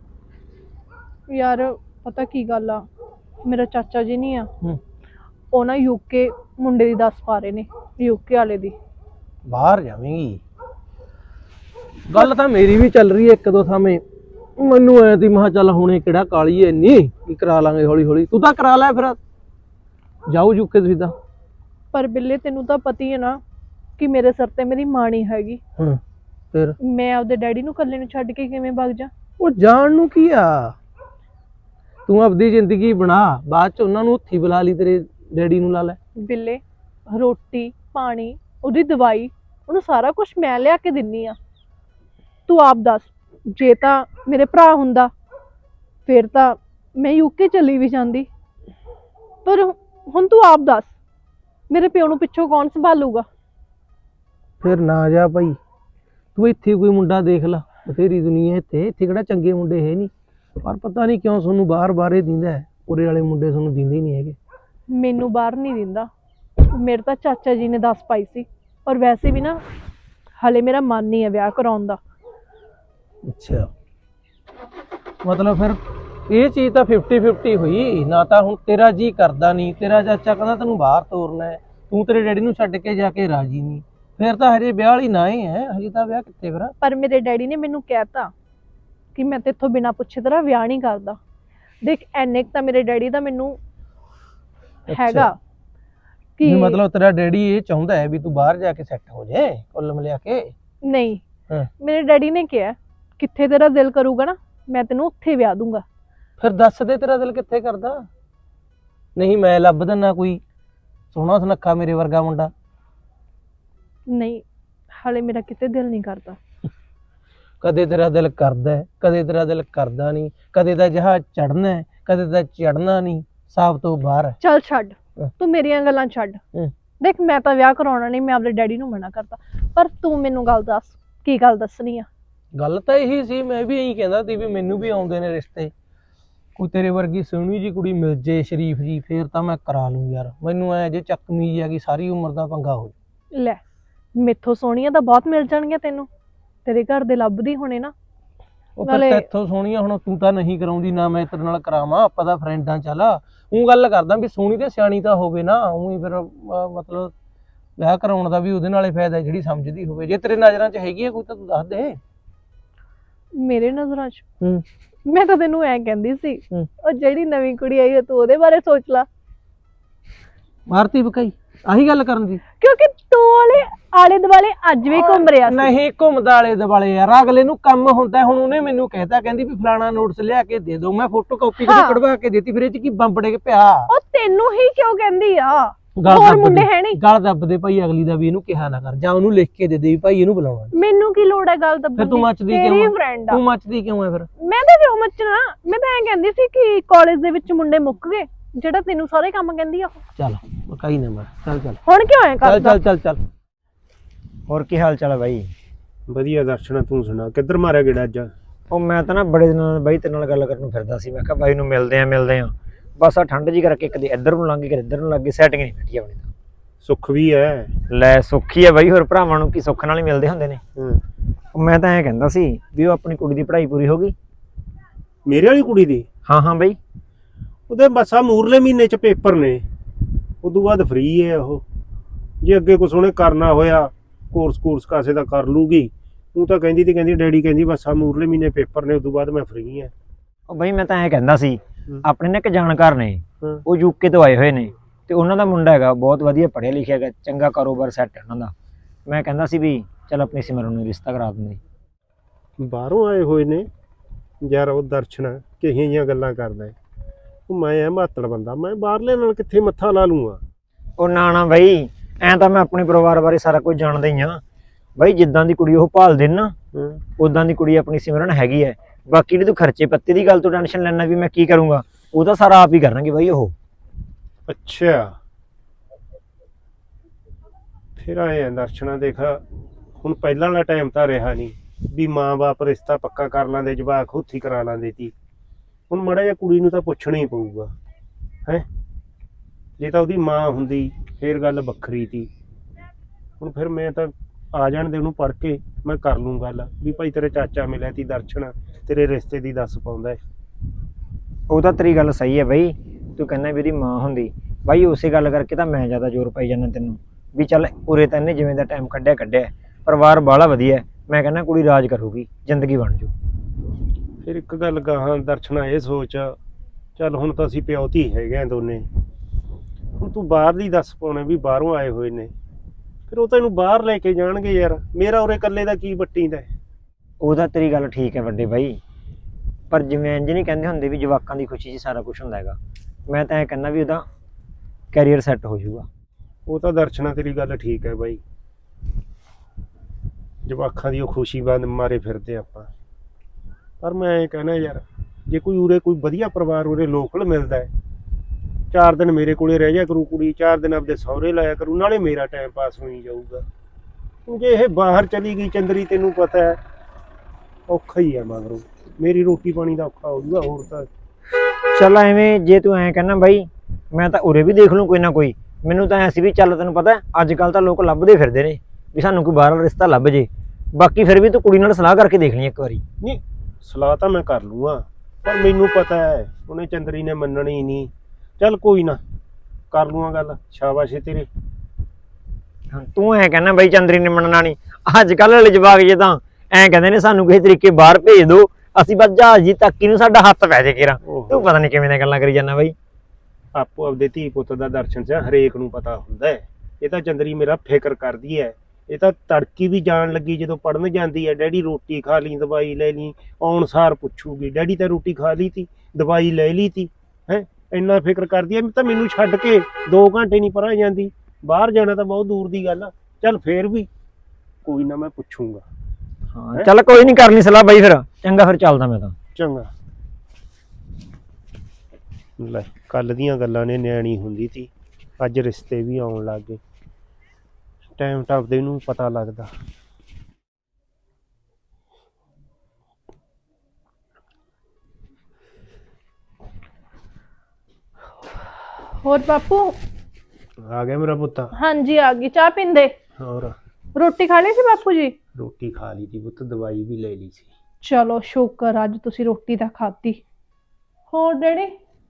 Speaker 2: ਯਾਰ ਪਤਾ ਕੀ ਗੱਲ ਆ, ਮੇਰਾ ਚਾਚਾ ਜੀ ਨਹੀਂ ਆ,
Speaker 3: ਹੂੰ।
Speaker 2: ਉਹ ਨਾ ਯੂਕੇ ਮੁੰਡੇ ਦੀ ਦੱਸ ਪਾ ਰਹੇ ਨੇ, ਯੂਕੇ ਵਾਲੇ ਦੀ।
Speaker 3: ਬਾਹਰ ਜਾਵੇਂਗੀ? ਗੱਲ ਤਾਂ ਮੇਰੀ ਵੀ ਚੱਲ ਰਹੀ ਹੈ ਇੱਕ ਦੋ ਥਾਵੇਂ। ਮੈਨੂੰ ਐ ਤੀ ਮਹਾ ਚੱਲ ਹੁਣੇ ਕਿਹੜਾ ਕਾਲੀ ਐ ਇੰਨੀ, ਕੀ ਕਰਾ ਲਾਂਗੇ ਹੌਲੀ ਹੌਲੀ। ਤੂੰ ਤਾਂ ਕਰਾ ਲੈ ਫਿਰ, ਜਾਓ ਯੂਕੇ ਤੁਸੀਂ ਤਾਂ।
Speaker 2: ਪਰ ਬਿੱਲੇ ਤੈਨੂੰ ਤਾਂ ਪਤੀ ਹੈ ਨਾ ਕਿ ਮੇਰੇ ਸਿਰ ਤੇ ਮੇਰੀ ਮਾਂ ਨਹੀਂ ਹੈਗੀ।
Speaker 3: ਹਾਂ ਫਿਰ
Speaker 2: ਮੈਂ ਆਪਦੇ ਡੈਡੀ ਨੂੰ ਇਕੱਲੇ ਨੂੰ ਛੱਡ ਕੇ ਕਿਵੇਂ ਭੱਜ ਜਾ?
Speaker 3: ਉਹ ਜਾਣ ਨੂੰ ਕੀ ਆ, ਤੂੰ ਆਪਦੀ ਜ਼ਿੰਦਗੀ ਬਣਾ, ਬਾਅਦ ਚ ਉਹਨਾਂ ਨੂੰ ਹੱਥੀ ਬੁਲਾ ਲਈ, ਤੇਰੇ ਡੈਡੀ ਨੂੰ ਲਾ ਲੈ।
Speaker 2: ਬਿੱਲੇ ਰੋਟੀ ਪਾਣੀ, ਉਹਦੀ ਦਵਾਈ, ਉਹਨੂੰ ਸਾਰਾ ਕੁਝ ਮੈਂ ਲਿਆ ਕੇ ਦਿੰਨੀ ਆ। ਤੂੰ ਆਪ ਦੱਸ, ਜੇ ਤਾਂ ਮੇਰੇ ਭਰਾ ਹੁੰਦਾ ਫਿਰ ਤਾਂ ਮੈਂ ਯੂਕੇ ਚਲੀ ਵੀ ਜਾਂਦੀ, ਪਰ ਹੁਣ ਤੂੰ ਆਪ ਦੱਸ ਮੇਰੇ ਪਿਓ ਨੂੰ ਪਿੱਛੋਂ ਕੌਣ ਸੰਭਾਲੂਗਾ?
Speaker 3: ਫਿਰ ਨਾ ਜਾ ਭਾਈ, ਤੂੰ ਇੱਥੇ ਕੋਈ ਮੁੰਡਾ ਦੇਖ ਲਾ, ਬਥੇਰੀ ਦੁਨੀਆ ਇੱਥੇ, ਇੱਥੇ ਕਿਹੜਾ ਚੰਗੇ ਮੁੰਡੇ ਹੈ ਨਹੀਂ, ਪਰ ਪਤਾ ਨਹੀਂ ਕਿਉਂ ਤੁਹਾਨੂੰ ਬਾਹਰ ਬਾਹਰੇ ਦਿੰਦਾ ਹੈ, ਉਰੇ ਵਾਲੇ ਮੁੰਡੇ ਤੁਹਾਨੂੰ ਦਿੰਦੇ ਹੀ ਨਹੀਂ ਹੈਗੇ।
Speaker 2: ਮੈਨੂੰ ਬਾਹਰ ਨਹੀਂ ਦਿੰਦਾ, ਮੇਰੇ ਤਾਂ ਚਾਚਾ ਜੀ ਨੇ ਦੱਸ ਪਾਈ ਸੀ, ਔਰ ਵੈਸੇ ਵੀ ਨਾ ਹਲੇ ਮੇਰਾ ਮਨ ਨਹੀਂ ਹੈ ਵਿਆਹ ਕਰਾਉਣ ਦਾ।
Speaker 3: ਅੱਛਾ, ਮਤਲਬ ਫਿਰ ਇਹ ਚੀਜ਼ ਤਾਂ ਫਿਫਟੀ ਫਿਫਟੀ ਹੋਈ ਨਾ। ਤਾਂ ਹੁਣ ਤੇਰਾ ਜੀ ਕਰਦਾ ਨਹੀਂ, ਤੇਰਾ ਚਾਚਾ ਕਹਿੰਦਾ ਤੈਨੂੰ ਬਾਹਰ ਤੋਰਨਾ ਹੈ, ਤੂੰ ਤੇਰੇ ਡੈਡੀ ਨੂੰ ਛੱਡ ਕੇ ਜਾ ਕੇ ਰਾਜੀ ਨਹੀਂ, ਫਿਰ ਤਾਂ ਹਜੇ ਵਿਆਹ ਵਾਲੀ ਨਾ ਹੀ ਹੈ, ਹਜੇ ਤਾਂ ਵਿਆਹ ਕਿੱਥੇ ਫਿਰ।
Speaker 2: ਪਰ ਮੇਰੇ ਡੈਡੀ ਨੇ ਮੈਨੂੰ ਕਹਿਤਾ ਕਿ ਮੈਂ ਤੇਥੋਂ ਬਿਨਾਂ ਪੁੱਛੇ ਤੇਰਾ ਵਿਆਹ ਨਹੀਂ ਕਰਦਾ। ਦੇਖ ਐਨੇ ਕੁ ਤਾਂ ਮੇਰੇ ਡੈਡੀ ਦਾ ਮੈਨੂੰ ਹੈਗਾ
Speaker 3: ਕੀ
Speaker 2: ਕਿ
Speaker 3: ਮਤਲਬ ਤੇਰਾ ਡੈਡੀ ਇਹ ਚਾਹੁੰਦਾ ਹੈ ਵੀ ਤੂੰ ਬਾਹਰ ਜਾ ਕੇ ਸੈੱਟ ਹੋ ਜਾਏ ਕੁੱਲ ਮਿਲਾ ਕੇ?
Speaker 2: ਨਹੀਂ,
Speaker 3: ਹਾਂ।
Speaker 2: ਮੇਰੇ ਡੈਡੀ ਨੇ ਕਿਹਾ ਕਿੱਥੇ ਤੇਰਾ ਦਿਲ ਕਰੂਗਾ ਨਾ ਮੈਂ ਤੈਨੂੰ ਉੱਥੇ ਵਿਆਹ ਦੂੰਗਾ।
Speaker 3: ਫਿਰ ਦੱਸ ਦੇ ਤੇਰਾ ਦਿਲ ਕਿੱਥੇ ਕਰਦਾ, ਨਹੀਂ ਮੈਂ ਲੱਭ ਦਿੰਨਾ ਕੋਈ ਸੋਹਣਾ ਸੁਨੱਖਾ ਮੇਰੇ ਵਰਗਾ ਮੁੰਡਾ।
Speaker 2: ਨਹੀਂ, ਹਾਲੇ ਮੇਰਾ ਕਿਤੇ ਦਿਲ ਨਹੀਂ ਕਰਦਾ।
Speaker 3: ਕਦੇ ਤੇਰਾ ਦਿਲ ਕਰਦਾ ਹੈ, ਕਦੇ ਤੇਰਾ ਦਿਲ ਕਰਦਾ ਨਹੀਂ, ਕਦੇ ਤਾਂ ਜਹਾਜ਼ ਚੜਨਾ ਹੈ, ਕਦੇ ਤਾਂ ਚੜਨਾ ਨਹੀਂ, ਸਾਬ ਤੋਂ ਬਾਹਰ ਹੈ।
Speaker 2: ਚੱਲ ਛੱਡ,
Speaker 3: ਹਾਂ।
Speaker 2: ਤੂੰ ਮੇਰੀਆਂ ਗੱਲਾਂ ਛੱਡ।
Speaker 3: ਹੂੰ।
Speaker 2: ਦੇਖ ਮੈਂ ਤਾਂ ਵਿਆਹ ਕਰਾਉਣਾ ਨਹੀਂ, ਮੈਂ ਆਪਣੇ ਡੈਡੀ ਨੂੰ ਮਨਾ ਕਰਤਾ। ਪਰ ਤੂੰ ਮੈਨੂੰ ਗੱਲ ਦੱਸ, ਕੀ ਗੱਲ ਦੱਸਣੀ ਆ?
Speaker 3: ਗੱਲ ਤਾਂ ਇਹੀ ਸੀ, ਮੈਂ ਵੀ ਇਹੀ ਕਹਿੰਦਾ ਸੀ ਵੀ ਮੈਨੂੰ ਵੀ ਆਉਂਦੇ ਨੇ ਰਿਸ਼ਤੇ, ਕੋਈ ਤੇਰੇ ਵਰਗੀ ਸੋਹਣੀ ਜੀ ਕੁੜੀ ਮਿਲ ਜੇ ਸ਼ਰੀਫ ਜੀ, ਫੇਰ ਤਾਂ ਮੈਂ ਕਰਾ ਲੂੰ ਯਾਰ। ਮੈਨੂੰ ਐ ਜੇ ਚੱਕਮੀ ਜੀ ਹੈਗੀ ਸਾਰੀ ਉਮਰ ਦਾ ਪੰਗਾ ਹੋ ਜਾਊ।
Speaker 2: ਲੈ ਮੇਥੋਂ ਸੋਹਣੀਆਂ ਤਾਂ ਬਹੁਤ ਮਿਲ ਜਾਣਗੀਆਂ ਤੈਨੂੰ, ਤੇਰੇ ਘਰ ਦੇ ਲੱਭਦੀ ਹੋਣੇ ਨਾ।
Speaker 3: ਉਹ ਫਿਰ
Speaker 2: ਨਾਲੇ-
Speaker 3: ਤੇਥੋਂ ਸੋਹਣੀਆਂ ਹੁਣ ਤੂੰ ਤਾਂ ਨਹੀਂ ਕਰਾਉਂਦੀ, ਨਾ ਮੈਂ ਤੇਰੇ ਨਾਲ ਕਰਾਵਾਂ, ਆਪਾਂ ਤਾਂ ਫਰੈਂਡਾਂ ਚੱਲ। ਉਹ ਗੱਲ ਕਰਦਾ ਵੀ ਸੋਹਣੀ ਤੇ ਸਿਆਣੀ ਤਾਂ ਹੋਵੇ ਨਾ, ਉਹੀ ਫਿਰ ਅਹ ਮਤਲਬ ਵਿਆਹ ਕਰਾਉਣ ਦਾ ਵੀ ਉਹਦੇ ਨਾਲੇ ਫਾਇਦਾ ਜਿਹੜੀ ਸਮਝਦੀ ਹੋਵੇ। ਜੇ ਤੇਰੇ ਨਜ਼ਰਾਂ 'ਚ ਹੈਗੀ ਹੈ ਕੋਈ ਤਾਂ ਤੂੰ ਦੱਸ ਦੇ।
Speaker 2: ਮੇਰੇ ਨਜ਼ਰਾਂ 'ਚ
Speaker 3: ਹੂੰ।
Speaker 2: ਮੈਂ ਤਾਂ ਤੈਨੂੰ ਐ ਕਹਿੰਦੀ ਸੀ,
Speaker 3: ਹੂੰ।
Speaker 2: ਉਹ ਜਿਹੜੀ ਨਵੀਂ ਕੁੜੀ ਆਈ ਹੈ ਤੂੰ ਉਹਦੇ ਬਾਰੇ ਸੋਚ ਲਾ।
Speaker 3: ਮਾਰਤੀ ਬਕਾਈ ਆਹੀ ਗੱਲ ਕਰਨ ਦੀ?
Speaker 2: ਕਿਉਂਕਿ ਤੂੰ ਵਾਲੇ ਆਲੇ ਦੁਆਲੇ ਅੱਜ ਵੀ ਘੁੰਮ ਰਿਹਾ ਸੀ।
Speaker 3: ਨਹੀਂ ਘੁੰਮਦਾ ਆਲੇ ਦੁਆਲੇ ਯਾਰ, ਅਗਲੇ ਨੂੰ ਕੰਮ ਹੁੰਦਾ। ਹੁਣ ਉਹਨੇ ਮੈਨੂੰ ਕਹਿਤਾ, ਕਹਿੰਦੀ ਵੀ ਫਲਾਣਾ ਨੋਟਸ ਲਿਆ ਕੇ ਦੇ ਦੋ, ਮੈਂ ਫੋਟੋ ਕਾਪੀ
Speaker 2: ਹਾਂ।
Speaker 3: ਕਢਵਾ ਕੇ ਦਿੱਤੀ, ਫਿਰ ਇਹ 'ਚ ਕੀ ਬੰਬੜੇ ਕੇ ਪਿਆ।
Speaker 2: ਉਹ ਤੈਨੂੰ ਹੀ ਕਿਉਂ ਕਹਿੰਦੀ ਆ?
Speaker 3: ਗੱਲ
Speaker 2: ਹੋਰ
Speaker 3: ਦੱਬ
Speaker 2: ਮੁੰਡੇ
Speaker 3: ਦੇ-
Speaker 2: ਹੈ ਨਹੀਂ?
Speaker 3: ਗੱਲ ਦੱਬਦੇ ਭਾਈ ਅਗਲੀ ਦਾ ਵੀ ਇਹਨੂੰ ਕਿਹਾ ਨਾ ਕਰ, ਜਾਂ ਉਹਨੂੰ ਲਿਖ ਕੇ ਦੇ ਦੇ ਵੀ ਭਾਈ ਇਹਨੂੰ ਬੁਲਾਉਣਾ।
Speaker 2: ਮੈਨੂੰ ਕੀ ਲੋੜ ਹੈ ਗੱਲ ਦੱਬਣ
Speaker 3: ਫਿਰ ਤੂੰ
Speaker 2: ਦੀ?
Speaker 3: ਮੱਚਦੀ
Speaker 2: ਤੇਰੀ
Speaker 3: ਕਿਉਂ ਆ?
Speaker 2: ਫਰੈਂਡ ਆ।
Speaker 3: ਤੂੰ ਮੱਚਦੀ ਕਿਉਂ ਹੈ ਫਿਰ?
Speaker 2: ਮੈਂ ਤਾਂ ਕਿਉਂ ਮੱਚਣਾ? ਮੈਂ ਤਾਂ ਐਂ ਕਹਿੰਦੀ ਸੀ ਕਿ ਕਾਲਜ ਦੇ ਵਿੱਚ ਮੁੰਡੇ ਮੁੱਕ ਗਏ, ਜਿਹੜਾ ਤੈਨੂੰ ਸਾਰੇ ਕੰਮ ਕਹਿੰਦੀ ਆ ਉਹ।
Speaker 3: ਚੱਲ ਮਕਾਈ ਨਾ ਮਾਰ, ਚੱਲ ਚੱਲ
Speaker 2: ਹੁਣ ਕਿਉਂ ਐਂ
Speaker 3: ਚੱਲ
Speaker 2: ਕਰਦਾ?
Speaker 3: ਚੱਲ ਚੱਲ ਚੱਲ।
Speaker 7: ਹੋਰ ਕੀ ਹਾਲ ਚਾਲ ਹੈ ਬਾਈ?
Speaker 1: ਵਧੀਆ ਦਰਸ਼ਨਾ, ਤੂੰ ਸੁਣਾ ਕਿੱਧਰ ਮਾਰਿਆ ਗੇੜਾ ਅੱਜ?
Speaker 7: ਉਹ ਮੈਂ ਤਾਂ ਨਾ ਬੜੇ ਦਿਨਾਂ ਨਾਲ ਬਾਈ ਤੇਰੇ ਨਾਲ ਗੱਲ ਕਰਨ ਨੂੰ ਫਿਰਦਾ ਸੀ। ਮੈਂ ਕਿਹਾ ਬਾਈ ਨੂੰ ਮਿਲਦੇ ਆ ਮਿਲਦੇ ਆ ਬਸ ਆ ਠੰਡ ਜੀ ਕਰਕੇ ਕਦੇ ਇੱਧਰ ਨੂੰ ਲੰਘ ਗਏ ਕਦੇ ਇੱਧਰ ਨੂੰ ਲੱਗ ਗਏ, ਸੈਟਿੰਗ ਨਹੀਂ ਬੈਠੀ ਆਪਣੀ ਤਾਂ।
Speaker 1: ਸੁੱਖ ਵੀ ਹੈ।
Speaker 7: ਲੈ ਸੁੱਖੀ ਹੈ ਬਾਈ, ਹੋਰ ਭਰਾਵਾਂ ਨੂੰ ਕੀ ਸੁੱਖ ਨਾਲ ਹੀ ਮਿਲਦੇ ਹੁੰਦੇ ਨੇ।
Speaker 1: ਹੂੰ।
Speaker 7: ਉਹ ਮੈਂ ਤਾਂ ਐਂ ਕਹਿੰਦਾ ਸੀ ਵੀ ਉਹ ਆਪਣੀ ਕੁੜੀ ਦੀ ਪੜ੍ਹਾਈ ਪੂਰੀ ਹੋ ਗਈ?
Speaker 1: ਮੇਰੇ ਵਾਲੀ ਕੁੜੀ ਦੀ?
Speaker 7: ਹਾਂ ਹਾਂ ਬਾਈ।
Speaker 1: ਉਹਦੇ ਬਸ ਆ ਮੂਰਲੇ ਮਹੀਨੇ ਚ ਪੇਪਰ ਨੇ, ਉਦੋਂ ਬਾਅਦ ਫ੍ਰੀ ਹੈ ਉਹ। ਜੇ ਅੱਗੇ ਕੁਛ ਉਹਨੇ ਕਰਨਾ ਹੋਇਆ ਕੋਰਸ ਕੋਰਸ ਕਾਸੇ ਦਾ ਕਰ ਲੂਗੀ। ਤੂੰ ਤਾਂ ਕਹਿੰਦੀ ਤੇ ਕਹਿੰਦੀ ਡੈਡੀ ਕਹਿੰਦੀ ਬਸ ਆ ਮੂਰਲੇ ਮਹੀਨੇ ਪੇਪਰ ਨੇ, ਉਦੋਂ ਬਾਅਦ ਮੈਂ ਫ੍ਰੀ ਹਾਂ।
Speaker 7: ਉਹ ਬਾਈ ਮੈਂ ਤਾਂ ਐਂ ਕਹਿੰਦਾ ਸੀ,
Speaker 1: ਹੂੰ।
Speaker 7: ਆਪਣੇ ਨਾ ਇੱਕ ਜਾਣਕਾਰ ਨੇ,
Speaker 1: ਹਾਂ।
Speaker 7: ਉਹ ਯੂਕੇ ਤੋਂ ਆਏ ਹੋਏ ਨੇ, ਤੇ ਉਹਨਾਂ ਦਾ ਮੁੰਡਾ ਹੈਗਾ ਬਹੁਤ ਵਧੀਆ ਪੜ੍ਹਿਆ ਲਿਖਿਆ ਹੈਗਾ, ਚੰਗਾ ਕਾਰੋਬਾਰ ਸੈੱਟ ਹੈ ਉਹਨਾਂ ਦਾ। ਮੈਂ ਕਹਿੰਦਾ ਸੀ ਵੀ ਚੱਲ ਆਪਣੀ ਸਿਮਰਨ ਨੂੰ ਰਿਸ਼ਤਾ ਕਰਾ ਦਿੰਦੇ।
Speaker 1: ਬਾਹਰੋਂ ਆਏ ਹੋਏ ਨੇ ਯਾਰ, ਉਹ ਦਰਸ਼ਨ ਕਿਹੀਆਂ ਜਿਹੀਆਂ ਗੱਲਾਂ ਕਰਦਾ ਹੈ। ਉਹ ਮੈਂ ਆ ਮਾਤੜ ਬੰਦਾ, ਮੈਂ ਬਾਹਰਲੇ ਨਾਲ ਕਿੱਥੇ ਮੱਥਾ ਲਾ ਲੂੰਗਾ?
Speaker 7: ਉਹ ਨਾ ਨਾ ਬਾਈ, ਐਂ ਤਾਂ ਮੈਂ ਆਪਣੇ ਪਰਿਵਾਰ ਬਾਰੇ ਸਾਰਾ ਕੁਝ ਜਾਣਦਾ ਹੀ ਆ ਬਾਈ। ਜਿੱਦਾਂ ਦੀ ਕੁੜੀ ਉਹ ਭਾਲਦੇ ਨੇ ਨਾ, ਉਦਾਂ ਦੀ ਕੁੜੀ ਆਪਣੀ ਸਿਮਰਨ ਹੈਗੀ ਹੈ। ਬਾਕੀ ਜਿਹੜੀ ਤੂੰ ਖਰਚੇ ਪੱਤੇ ਦੀ ਗੱਲ ਤੋਂ ਟੈਨਸ਼ਨ ਲੈਣਾ ਵੀ ਮੈਂ ਕੀ ਕਰੂੰਗਾ, ਉਹ ਤਾਂ ਸਾਰਾ ਆਪ ਹੀ ਕਰਨਗੇ ਬਾਈ ਉਹ।
Speaker 1: ਅੱਛਾ, ਫਿਰ ਆਏ ਆ ਦਰਸ਼ਨਾ। ਦੇਖ ਹੁਣ ਪਹਿਲਾਂ ਵਾਲਾ ਟਾਈਮ ਤਾਂ ਰਿਹਾ ਨਹੀਂ ਵੀ ਮਾਂ-ਬਾਪ ਰਿਸ਼ਤਾ ਪੱਕਾ ਕਰ ਲਾਂਦੇ, ਜਵਾਕ ਉੱਥੀ ਕਰਾ ਲਾਂਦੇ ਤੀ। ਹੁਣ ਮਾੜਾ ਜਿਹਾ ਕੁੜੀ ਨੂੰ ਤਾਂ ਪੁੱਛਣਾ ਹੀ ਪਊਗਾ ਹੈ। ਜੇ ਤਾਂ ਉਹਦੀ ਮਾਂ ਹੁੰਦੀ ਫਿਰ ਗੱਲ ਵੱਖਰੀ ਤੀ। ਹੁਣ ਫਿਰ ਮੈਂ ਤਾਂ ਆ ਜਾਣ ਦੇ ਉਹਨੂੰ ਪੜ੍ਹ ਕੇ, ਮੈਂ ਕਰ ਲੂੰ ਗੱਲ ਵੀ ਭਾਈ ਤੇਰੇ ਚਾਚਾ ਮਿਲਿਆ ਤੀ ਦਰਸ਼ਨ, ਤੇਰੇ ਰਿਸ਼ਤੇ ਦੀ ਦੱਸ ਪਾਉਂਦਾ ਹੈ।
Speaker 7: ਉਹ ਤਾਂ ਤੇਰੀ ਗੱਲ ਸਹੀ ਹੈ ਬਾਈ, ਤੂੰ ਕਹਿੰਦਾ ਵੀ ਉਹਦੀ ਮਾਂ ਹੁੰਦੀ ਬਾਈ, ਉਸੇ ਗੱਲ ਕਰਕੇ ਤਾਂ ਮੈਂ ਜ਼ਿਆਦਾ ਜ਼ੋਰ ਪਾਈ ਜਾਂਦਾ ਤੈਨੂੰ ਵੀ ਚੱਲ ਉਰੇ ਤਾਂ ਇਹਨੇ ਜਿਵੇਂ ਦਾ ਟਾਈਮ ਕੱਢਿਆ ਕੱਢਿਆ, ਪਰਿਵਾਰ ਬਾਹਲਾ ਵਧੀਆ। ਮੈਂ ਕਹਿੰਦਾ ਕੁੜੀ ਰਾਜ ਕਰੂਗੀ, ਜ਼ਿੰਦਗੀ ਬਣ ਜੂ।
Speaker 1: ਫਿਰ ਇੱਕ ਗੱਲ ਗਾਹਾਂ ਦਰਸ਼ਨਾ ਇਹ ਸੋਚ, ਚੱਲ ਹੁਣ ਤਾਂ ਅਸੀਂ ਪਿਓ ਧੀ ਹੈਗੇ ਆ ਦੋਨੇ, ਹੁਣ ਤੂੰ ਬਾਹਰ ਦੀ ਦੱਸ ਪਾਉਣਾ ਵੀ ਬਾਹਰੋਂ ਆਏ ਹੋਏ ਨੇ, ਫਿਰ ਉਹ ਤਾਂ ਇਹਨੂੰ ਬਾਹਰ ਲੈ ਕੇ ਜਾਣਗੇ ਯਾਰ। ਮੇਰਾ ਉਰੇ ਇਕੱਲੇ ਦਾ ਕੀ ਵੱਟੀਂਦਾ?
Speaker 7: ਉਹ ਤਾਂ ਤੇਰੀ ਗੱਲ ਠੀਕ ਹੈ ਵੱਡੇ ਬਾਈ, ਪਰ ਜਿਵੇਂ ਇੰਜ ਨਹੀਂ ਕਹਿੰਦੇ ਹੁੰਦੇ ਵੀ ਜਵਾਕਾਂ ਦੀ ਖੁਸ਼ੀ 'ਚ ਸਾਰਾ ਕੁਝ ਹੁੰਦਾ ਹੈਗਾ। ਮੈਂ ਤਾਂ ਇਹ ਕਹਿੰਦਾ ਵੀ ਉਹਦਾ ਕੈਰੀਅਰ ਸੈੱਟ ਹੋ ਜਾਊਗਾ।
Speaker 1: ਉਹ ਤਾਂ ਦਰਸ਼ਨਾ ਤੇਰੀ ਗੱਲ ਠੀਕ ਹੈ ਬਾਈ, ਜਵਾਕਾਂ ਦੀ ਉਹ ਖੁਸ਼ੀ ਬੰਦ ਮਾਰੇ ਫਿਰਦੇ ਆਪਾਂ। ਪਰ ਮੈਂ ਇਹ ਕਹਿਣਾ ਯਾਰ, ਜੇ ਕੋਈ ਉਰੇ ਕੋਈ ਵਧੀਆ ਪਰਿਵਾਰ ਉਰੇ ਲੋਕਲ ਮਿਲਦਾ ਹੈ, ਚਾਰ ਦਿਨ ਮੇਰੇ ਕੋਲੇ ਰਹਿ ਜਾ ਕਰੂ ਕੁੜੀ, ਚਾਰ ਦਿਨ ਆਪਦੇ ਸਹੁਰੇ ਲਾਇਆ ਕਰੂ, ਨਾਲੇ ਮੇਰਾ ਟਾਈਮ ਪਾਸ ਹੋਈ ਜਾਊਗਾ। ਜੇ ਇਹ ਬਾਹਰ ਚਲੀ ਗਈ ਚੰਦਰੀ, ਤੈਨੂੰ ਪਤਾ ਹੈ ਔਖਾ ਹੀ ਆ ਮਗਰੋਂ, ਮੇਰੀ ਰੋਟੀ ਪਾਣੀ ਦਾ ਔਖਾ ਹੋ ਜਾਊਗਾ। ਹੋਰ ਤਾਂ
Speaker 7: ਚੱਲ ਐਵੇਂ ਜੇ ਤੂੰ ਐਂ ਕਹਿੰਦਾ ਬਾਈ, ਮੈਂ ਤਾਂ ਉਰੇ ਵੀ ਦੇਖ ਲੂੰ ਕੋਈ ਨਾ ਕੋਈ। ਮੈਨੂੰ ਤਾਂ ਐਂ ਸੀ ਵੀ ਚੱਲ ਤੈਨੂੰ ਪਤਾ ਅੱਜ ਕੱਲ੍ਹ ਤਾਂ ਲੋਕ ਲੱਭਦੇ ਫਿਰਦੇ ਨੇ ਵੀ ਸਾਨੂੰ ਕੋਈ ਬਾਹਰਲਾ ਰਿਸ਼ਤਾ ਲੱਭ ਜੇ। ਬਾਕੀ ਫਿਰ ਵੀ ਤੂੰ ਕੁੜੀ ਨਾਲ ਸਲਾਹ ਕਰਕੇ ਦੇਖ ਲਈ ਇੱਕ ਵਾਰੀ।
Speaker 1: ਨਹੀਂ, ਸਲਾਹ ਤਾਂ ਮੈਂ ਕਰ ਲੂੰਗਾ, ਪਰ ਮੈਨੂੰ ਪਤਾ ਹੈ ਉਹਨੇ ਚੰਦਰੀ ਨੇ ਮੰਨਣੀ ਨਹੀਂ। ਚੱਲ ਕੋਈ ਨਾ, ਕਰ ਲੂਆਂ ਗੱਲ। ਸ਼ਾਬਾਸ਼ ਏ ਤੇਰੇ।
Speaker 7: ਤੂੰ ਐ ਕਹਿੰਦਾ ਬਈ ਚੰਦਰੀ ਨੇ ਮੰਨਣਾ ਨਹੀਂ? ਅੱਜ ਕੱਲ੍ਹ ਵਾਲੇ ਜਵਾਕ ਜੇ ਤਾਂ ਐਂ ਕਹਿੰਦੇ ਨੇ ਸਾਨੂੰ ਕਿਸੇ ਤਰੀਕੇ ਬਾਹਰ ਭੇਜ ਦਿਓ, ਅਸੀਂ ਬਸ ਜਹਾਜ਼ ਦੀ ਤੱਕੀ ਨੂੰ ਸਾਡਾ ਹੱਥ ਪੈ ਜੇ ਕੇਰਾ। ਤੂੰ ਪਤਾ ਨਹੀਂ ਕਿਵੇਂ ਦੀਆਂ ਗੱਲਾਂ ਕਰੀ ਜਾਂਦਾ ਬਈ।
Speaker 1: ਆਪੋ ਆਪਦੇ ਧੀ ਪੁੱਤ ਦਾ ਦਰਸ਼ਨ ਚ ਹਰੇਕ ਨੂੰ ਪਤਾ ਹੁੰਦਾ ਹੈ। ਇਹ ਤਾਂ ਚੰਦਰੀ ਮੇਰਾ ਫਿਕਰ ਕਰਦੀ ਹੈ। ਇਹ ਤਾਂ ਤੜਕੀ ਵੀ ਜਾਣ ਲੱਗੀ ਜਦੋਂ ਪੜਨ ਜਾਂਦੀ ਹੈ, ਡੈਡੀ ਰੋਟੀ ਖਾ ਲਈ, ਦਵਾਈ ਲੈ ਲਈ, ਆਉਣ ਸਾਰ ਪੁੱਛੂਗੀ ਡੈਡੀ ਤਾਂ ਰੋਟੀ ਖਾ ਲਈ ਤੀ, ਦਵਾਈ ਲੈ ਲਈ ਤੀ, ਹੈ ਇੰਨਾ ਫਿਕਰ ਕਰਦੀ ਹੈ। ਤਾਂ ਮੈਨੂੰ ਛੱਡ ਕੇ ਦੋ ਘੰਟੇ ਨਹੀਂ ਪਰਾਂ ਜਾਂਦੀ। ਬਾਹਰ ਜਾਣਾ ਤਾਂ ਬਹੁਤ ਦੂਰ ਦੀ ਗੱਲ ਆ। ਚੱਲ ਫੇਰ ਵੀ ਕੋਈ ਨਾ, ਮੈਂ ਪੁੱਛੂੰਗਾ।
Speaker 7: ਹਾਂ ਚੱਲ ਕੋਈ ਨਹੀਂ, ਕਰਨੀ ਸਲਾਹ ਬਈ ਫਿਰ। ਚੰਗਾ ਫਿਰ ਚੱਲਦਾ ਮੈਂ ਤਾਂ।
Speaker 1: ਚੰਗਾ। ਲੈ ਕੱਲ ਦੀਆਂ ਗੱਲਾਂ ਨੇ ਨਿਆਣੀ ਹੁੰਦੀ ਤੀ, ਅੱਜ ਰਿਸ਼ਤੇ ਵੀ ਆਉਣ ਲੱਗ ਗਏ। ਟਾਈਮ ਟੱਪਦੇ ਨੂੰ ਪਤਾ ਲੱਗਦਾ।
Speaker 2: ਹੋਰ ਬਾਪੂ?
Speaker 1: ਆ ਗਿਆ ਮੇਰਾ ਪੁੱਤ।
Speaker 2: ਹਾਂਜੀ ਆ ਗਈ। ਚਾਹ ਪੀਂਦੇ?
Speaker 1: ਹੋਰ
Speaker 2: ਰੋਟੀ ਖਾ ਲਈ ਸੀ ਬਾਪੂ ਜੀ?
Speaker 1: ਰੋਟੀ ਖਾ ਲਈ ਤੀ ਪੁੱਤ, ਦਵਾਈ ਵੀ ਲੈ ਲਈ ਸੀ।
Speaker 2: ਚਲੋ ਸ਼ੁਕਰ, ਅੱਜ ਤੁਸੀਂ ਰੋਟੀ ਤਾਂ ਖਾਧੀ। ਹੋਰ ਡੈਡੀ?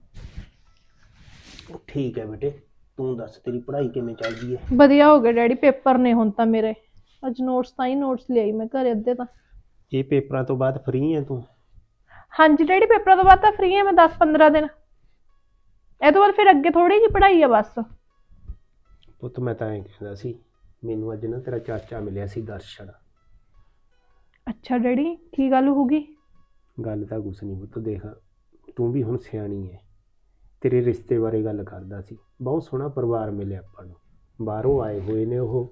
Speaker 1: ਠੀਕ ਹੈ ਬੇਟੇ, ਤੂੰ ਦੱਸ ਤੇਰੀ ਪੜ੍ਹਾਈ ਕਿਵੇਂ ਚੱਲਦੀ ਹੈ?
Speaker 2: ਵਧੀਆ ਹੋ ਗਿਆ ਡੈਡੀ, ਪੇਪਰ ਨੇ ਹੁਣ ਤਾਂ ਮੇਰੇ। ਅੱਜ ਨੋਟਸ ਤਾਂ ਹੀ ਨੋਟਸ ਲਿਆਈ ਮੈਂ ਘਰੇ ਅੱਧੇ ਤਾਂ।
Speaker 1: ਇਹ ਪੇਪਰਾਂ ਤੋਂ ਬਾਅਦ ਫਰੀ ਹੈ ਤੂੰ?
Speaker 2: ਹਾਂਜੀ ਡੈਡੀ, ਪੇਪਰਾਂ ਤੋਂ ਬਾਅਦ ਤਾਂ ਫ੍ਰੀ ਹਾਂ ਮੈਂ ਦਸ ਪੰਦਰਾਂ ਦਿਨ। ਇਹ ਤੋਂ ਬਾਅਦ ਫਿਰ ਅੱਗੇ ਥੋੜੀ ਜਿਹੀ ਪੜ੍ਹਾਈ ਆ ਬਸ।
Speaker 1: ਪੁੱਤ ਮੈਂ ਤਾਂ ਐਂ ਕਹਿੰਦਾ ਸੀ, ਮੈਨੂੰ ਅੱਜ ਨਾ ਤੇਰਾ ਚਾਚਾ ਮਿਲਿਆ ਸੀ, ਦਰਸ਼ਨ।
Speaker 2: ਅੱਛਾ ਡੈਡੀ, ਕੀ ਗੱਲ ਹੋ ਗਈ?
Speaker 1: ਗੱਲ ਤਾਂ ਕੁਛ ਨਹੀਂ ਪੁੱਤ, ਦੇਖ ਤੂੰ ਵੀ ਹੁਣ ਸਿਆਣੀ ਹੈ। ਤੇਰੇ ਰਿਸ਼ਤੇ ਬਾਰੇ ਗੱਲ ਕਰਦਾ ਸੀ। ਬਹੁਤ ਸੋਹਣਾ ਪਰਿਵਾਰ ਮਿਲਿਆ ਆਪਾਂ ਨੂੰ, ਬਾਹਰੋਂ ਆਏ ਹੋਏ ਨੇ ਉਹ।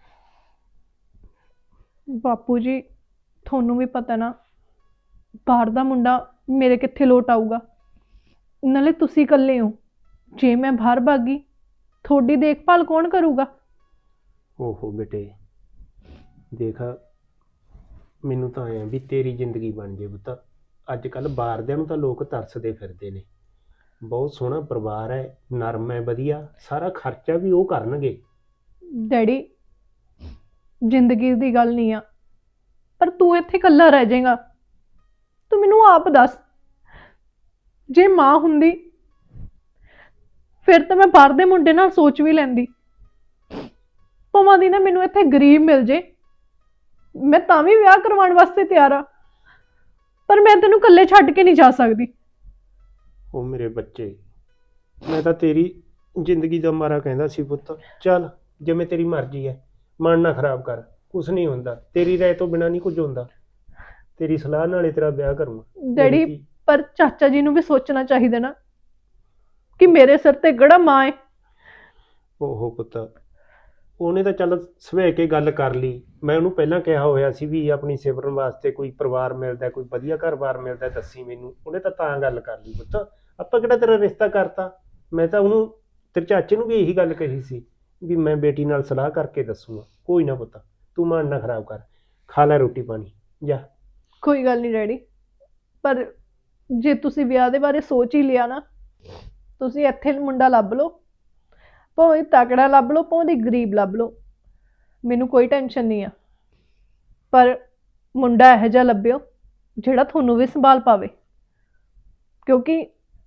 Speaker 2: ਬਾਪੂ ਜੀ ਤੁਹਾਨੂੰ ਵੀ ਪਤਾ ਨਾ, ਬਾਹਰ ਦਾ ਮੁੰਡਾ ਮੇਰੇ ਕਿੱਥੇ ਲੋਟ ਆਊਗਾ। ਨਾਲੇ ਤੁਸੀਂ ਇਕੱਲੇ ਹੋ, ਜੇ ਮੈਂ ਬਾਹਰ ਭਾਗੀ ਤੁਹਾਡੀ ਦੇਖਭਾਲ ਕੌਣ ਕਰੂਗਾ?
Speaker 1: ਓਹੋ ਬੇਟੇ, ਦੇਖ ਮੈਨੂੰ ਤਾਂ ਐਂ ਵੀ ਤੇਰੀ ਜ਼ਿੰਦਗੀ ਬਣ ਜੇ ਪੁੱਤ। ਅੱਜ ਕੱਲ੍ਹ ਬਾਹਰਦਿਆਂ ਨੂੰ ਤਾਂ ਲੋਕ ਤਰਸਦੇ ਫਿਰਦੇ ਨੇ। ਬਹੁਤ ਸੋਹਣਾ ਪਰਿਵਾਰ ਹੈ, ਨਰਮ ਹੈ, ਵਧੀਆ, ਸਾਰਾ ਖਰਚਾ ਵੀ ਉਹ ਕਰਨਗੇ।
Speaker 2: ਡੈਡੀ ਜ਼ਿੰਦਗੀ ਦੀ ਗੱਲ ਨਹੀਂ ਆ, ਪਰ ਤੂੰ ਇੱਥੇ ਇਕੱਲਾ ਰਹਿ ਜਾਏਗਾ। ਤੂੰ ਮੈਨੂੰ ਆਪ ਦੱਸ, ਜੇ ਮਾਂ ਹੁੰਦੀ ਫਿਰ ਤਾਂ ਮੈਂ ਬਾਹਰ ਦੇ ਮੁੰਡੇ ਨਾਲ ਸੋਚ ਵੀ ਲੈਂਦੀ। ਭਾਵੇਂ ਦੀ ਨਾ ਮੈਨੂੰ ਇੱਥੇ ਗਰੀਬ ਮਿਲ ਜੇ, ਮੈਂ ਤਾਂ ਵੀ ਵਿਆਹ ਕਰਵਾਉਣ ਵਾਸਤੇ ਤਿਆਰ ਆ, ਪਰ ਮੈਂ ਤੈਨੂੰ ਇਕੱਲੇ ਛੱਡ ਕੇ ਨਹੀਂ ਜਾ ਸਕਦੀ।
Speaker 1: ਉਹ ਮੇਰੇ ਬੱਚੇ, ਮੈਂ ਤਾਂ ਤੇਰੀ ਜ਼ਿੰਦਗੀ ਦਾ ਮਾਰਾ ਕਹਿੰਦਾ ਸੀ ਪੁੱਤ। ਚੱਲ ਜਿਵੇਂ ਤੇਰੀ ਮਰਜ਼ੀ ਹੈ, ਮਨ ਨਾ ਖਰਾਬ ਕਰ, ਕੁਛ ਨਹੀਂ ਹੁੰਦਾ। ਤੇਰੀ ਰਾਏ ਤੋਂ ਬਿਨਾਂ ਨਹੀਂ ਕੁਝ ਹੁੰਦਾ। ਤੇਰੀ ਸਲਾਹ ਨਾਲ ਹੀ ਤੇਰਾ ਵਿਆਹ ਕਰੂੰਗਾ।
Speaker 2: ਡੈਡੀ ਪਰ ਚਾਚਾ ਜੀ ਨੂੰ ਵੀ ਸੋਚਣਾ ਚਾਹੀਦਾ ਨਾ ਕਿ ਮੇਰੇ ਸਿਰ ਤੇ ਕਿਹੜਾ ਮਾਂ ਹੈ।
Speaker 1: ਓਹੋ ਪੁੱਤ, ਉਹਨੇ ਤਾਂ ਚੱਲ ਸਵੇਰ ਕੇ ਗੱਲ ਕਰ ਲਈ। ਮੈਂ ਉਹਨੂੰ ਪਹਿਲਾਂ ਕਿਹਾ ਹੋਇਆ ਸੀ ਵੀ ਆਪਣੀ ਸਿਮਰਨ ਵਾਸਤੇ ਕੋਈ ਪਰਿਵਾਰ ਮਿਲਦਾ, ਕੋਈ ਵਧੀਆ ਘਰ-ਬਾਰ ਮਿਲਦਾ ਦੱਸੀ ਮੈਨੂੰ। ਉਹਨੇ ਤਾਂ ਤਾਂ ਗੱਲ ਕਰ ਲਈ ਪੁੱਤ। ਆਪਾਂ ਕਿਹੜਾ ਤੇਰਾ ਰਿਸ਼ਤਾ ਕਰਤਾ। ਮੈਂ ਤਾਂ ਉਹਨੂੰ, ਤੇਰੇ ਚਾਚੇ ਨੂੰ ਵੀ ਇਹੀ ਗੱਲ ਕਹੀ ਸੀ ਵੀ ਮੈਂ ਬੇਟੀ ਨਾਲ ਸਲਾਹ ਕਰਕੇ ਦੱਸੂਗਾ। ਕੋਈ ਨਾ ਪੁੱਤ, ਤੂੰ ਮਨ ਨਾ ਖਰਾਬ ਕਰ, ਖਾ ਲੈ ਰੋਟੀ ਪਾਣੀ, ਜਾ।
Speaker 2: ਕੋਈ ਗੱਲ ਨਹੀਂ ਡੈਡੀ, ਪਰ ਜੇ ਤੁਸੀਂ ਵਿਆਹ ਦੇ ਬਾਰੇ ਸੋਚ ਹੀ ਲਿਆ ਨਾ, ਤੁਸੀਂ ਇੱਥੇ ਮੁੰਡਾ ਲੱਭ ਲਓ, ਭਾਵੇਂ ਤਕੜਾ ਲੱਭ ਲਓ, ਭਾਵੇਂ ਗਰੀਬ ਲੱਭ ਲਓ, ਮੈਨੂੰ ਕੋਈ ਟੈਨਸ਼ਨ ਨਹੀਂ ਆ। ਪਰ ਮੁੰਡਾ ਇਹੋ ਜਿਹਾ ਲੱਭਿਓ ਜਿਹੜਾ ਤੁਹਾਨੂੰ ਵੀ ਸੰਭਾਲ ਪਾਵੇ, ਕਿਉਂਕਿ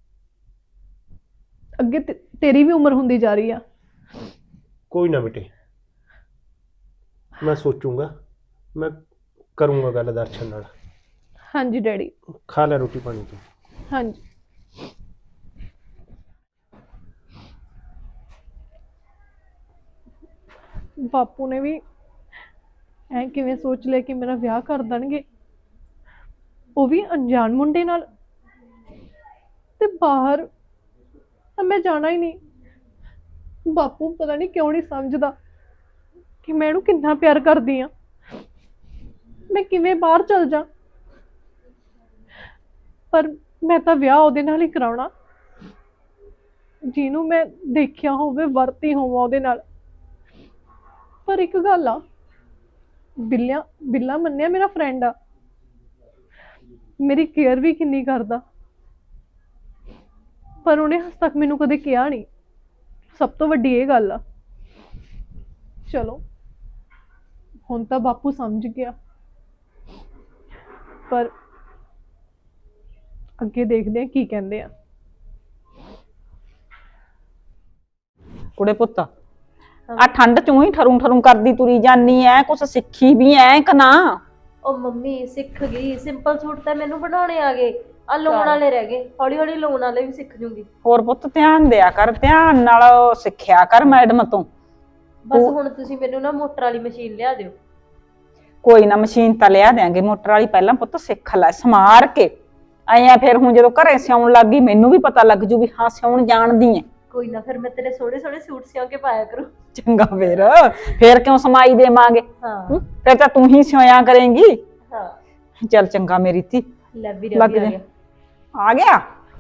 Speaker 2: ਅੱਗੇ ਤੇ- ਤੇਰੀ ਵੀ ਉਮਰ ਹੁੰਦੀ ਜਾ ਰਹੀ ਆ।
Speaker 1: ਕੋਈ ਨਾ ਬੇਟੇ, ਮੈਂ ਸੋਚੂੰਗਾ, ਮੈਂ ਕਰੂੰਗਾ ਗੱਲ ਦਰਸ਼ਨ ਨਾਲ।
Speaker 2: ਹਾਂਜੀ ਡੈਡੀ।
Speaker 1: ਖਾ ਲੈ ਰੋਟੀ ਪਾਣੀ ਤੂੰ।
Speaker 2: ਹਾਂਜੀ। ਬਾਪੂ ਨੇ ਵੀ ਐ ਕਿਵੇਂ ਸੋਚ ਲਿਆ ਕਿ ਮੇਰਾ ਵਿਆਹ ਕਰ ਦੇਣਗੇ, ਉਹ ਵੀ ਅਣਜਾਣ ਮੁੰਡੇ ਨਾਲ। ਤੇ ਬਾਹਰ ਤਾਂ ਮੈਂ ਜਾਣਾ ਹੀ ਨਹੀਂ। ਬਾਪੂ ਪਤਾ ਨਹੀਂ ਕਿਉਂ ਨਹੀਂ ਸਮਝਦਾ ਕਿ ਮੈਂ ਇਹਨੂੰ ਕਿੰਨਾ ਪਿਆਰ ਕਰਦੀ ਆ। ਮੈਂ ਕਿਵੇਂ ਬਾਹਰ ਚਲ ਜਾ, ਪਰ ਮੈਂ ਤਾਂ ਵਿਆਹ ਉਹਦੇ ਨਾਲ ਹੀ ਕਰਾਉਣਾ ਜਿਹਨੂੰ ਮੈਂ ਦੇਖਿਆ ਹੋਵੇ, ਵਰਤੀ ਹੋਵਾਂ ਉਹਦੇ ਨਾਲ। ਪਰ ਇੱਕ ਗੱਲ ਆ, ਬਿੱਲਿਆ ਬਿੱਲਾ ਮੰਨਿਆ ਮੇਰਾ ਫਰੈਂਡ ਆ, ਮੇਰੀ ਕੇਅਰ ਵੀ ਕਿੰਨੀ ਕਰਦਾ, ਪਰ ਉਹਨੇ ਹਜੇ ਤੱਕ ਮੈਨੂੰ ਕਦੇ ਕਿਹਾ ਨਹੀਂ। ਸਭ ਤੋਂ ਵੱਡੀ ਇਹ ਗੱਲ ਆ। ਚਲੋ ਹੁਣ ਤਾਂ ਬਾਪੂ ਸਮਝ ਗਿਆ, ਪਰ ਅੱਗੇ ਦੇਖਦੇ ਆ ਕੀ ਕਹਿੰਦੇ ਆ।
Speaker 5: ਕੁੜੇ ਪੁੱਤ ਆ ਠੰਡ ਚੋਂ ਹੀ ਠਰੂ ਠਰੂ ਕਰਦੀ ਤੁਰੀ ਜਾਨੀ ਐ, ਕੁਛ ਸਿੱਖੀ ਵੀ ਐ ਕਿ ਨਾ?
Speaker 6: ਉਹ ਮੰਮੀ ਸਿੱਖ ਗਈ, ਸਿੰਪਲ ਸੂਟ ਤਾਂ ਮੈਨੂੰ ਬਣਾਉਣੇ ਆ ਗਏ, ਆ ਲਾਉਣ ਵਾਲੇ ਰਹਿ ਗਏ, ਹੌਲੀ ਹੌਲੀ ਲਾਉਣ ਵਾਲੇ ਵੀ ਸਿੱਖ ਜੂੰਗੀ।
Speaker 5: ਹੋਰ ਪੁੱਤ ਧਿਆਨ ਦਿਆ ਕਰ, ਧਿਆਨ ਨਾਲ ਸਿੱਖਿਆ ਕਰ ਮੈਡਮ ਤੋਂ।
Speaker 6: ਬਸ ਹੁਣ ਤੁਸੀਂ ਮੈਨੂੰ ਨਾ ਮੋਟਰ ਵਾਲੀ ਮਸ਼ੀਨ ਲਿਆ ਦਿਓ।
Speaker 5: ਕੋਈ ਨਾ ਮਸ਼ੀਨ ਤਾਂ ਲਿਆ ਦਿਆਂਗੇ ਮੋਟਰ ਵਾਲੀ, ਪਹਿਲਾਂ ਪੁੱਤ ਸਿੱਖ ਲੈ ਸਮਾਰ ਕੇ। ਆਇਆ ਫਿਰ ਹੁਣ ਜਦੋਂ ਘਰੇ ਸਿਉਣ ਲੱਗ ਗਈ ਮੈਨੂੰ ਵੀ ਪਤਾ ਲੱਗ ਜੂ ਵੀ ਹਾਂ ਸਿਉਣ ਜਾਣਦੀ ਐ।
Speaker 6: ਕੋਈ ਨਾ, ਫਿਰ ਮੈਂ ਤੇਰੇ ਸੋਹਣੇ ਸੋਹਣੇ ਸੂਟ ਸਿਉਂ ਕੇ ਪਾਇਆ ਕਰੂੰ।
Speaker 5: ਚੰਗਾ ਫੇਰ ਫੇਰ ਕਿਉਂ ਸਮਾਈ ਦੇਵਾਂਗੇ,
Speaker 6: ਹਾਂ
Speaker 5: ਫਿਰ ਤਾਂ ਤੂੰ ਹੀ ਸਿਉਇਆ ਕਰੇਂਗੀ।
Speaker 6: ਹਾਂ
Speaker 5: ਚੱਲ ਚੰਗਾ ਮੇਰੀ ਧੀ,
Speaker 6: ਲੈ ਵੀ
Speaker 5: ਲੱਗ
Speaker 6: ਰਵੀ ਆ
Speaker 5: ਜਾ।
Speaker 6: ਗਿਆ।
Speaker 5: ਆ ਗਿਆ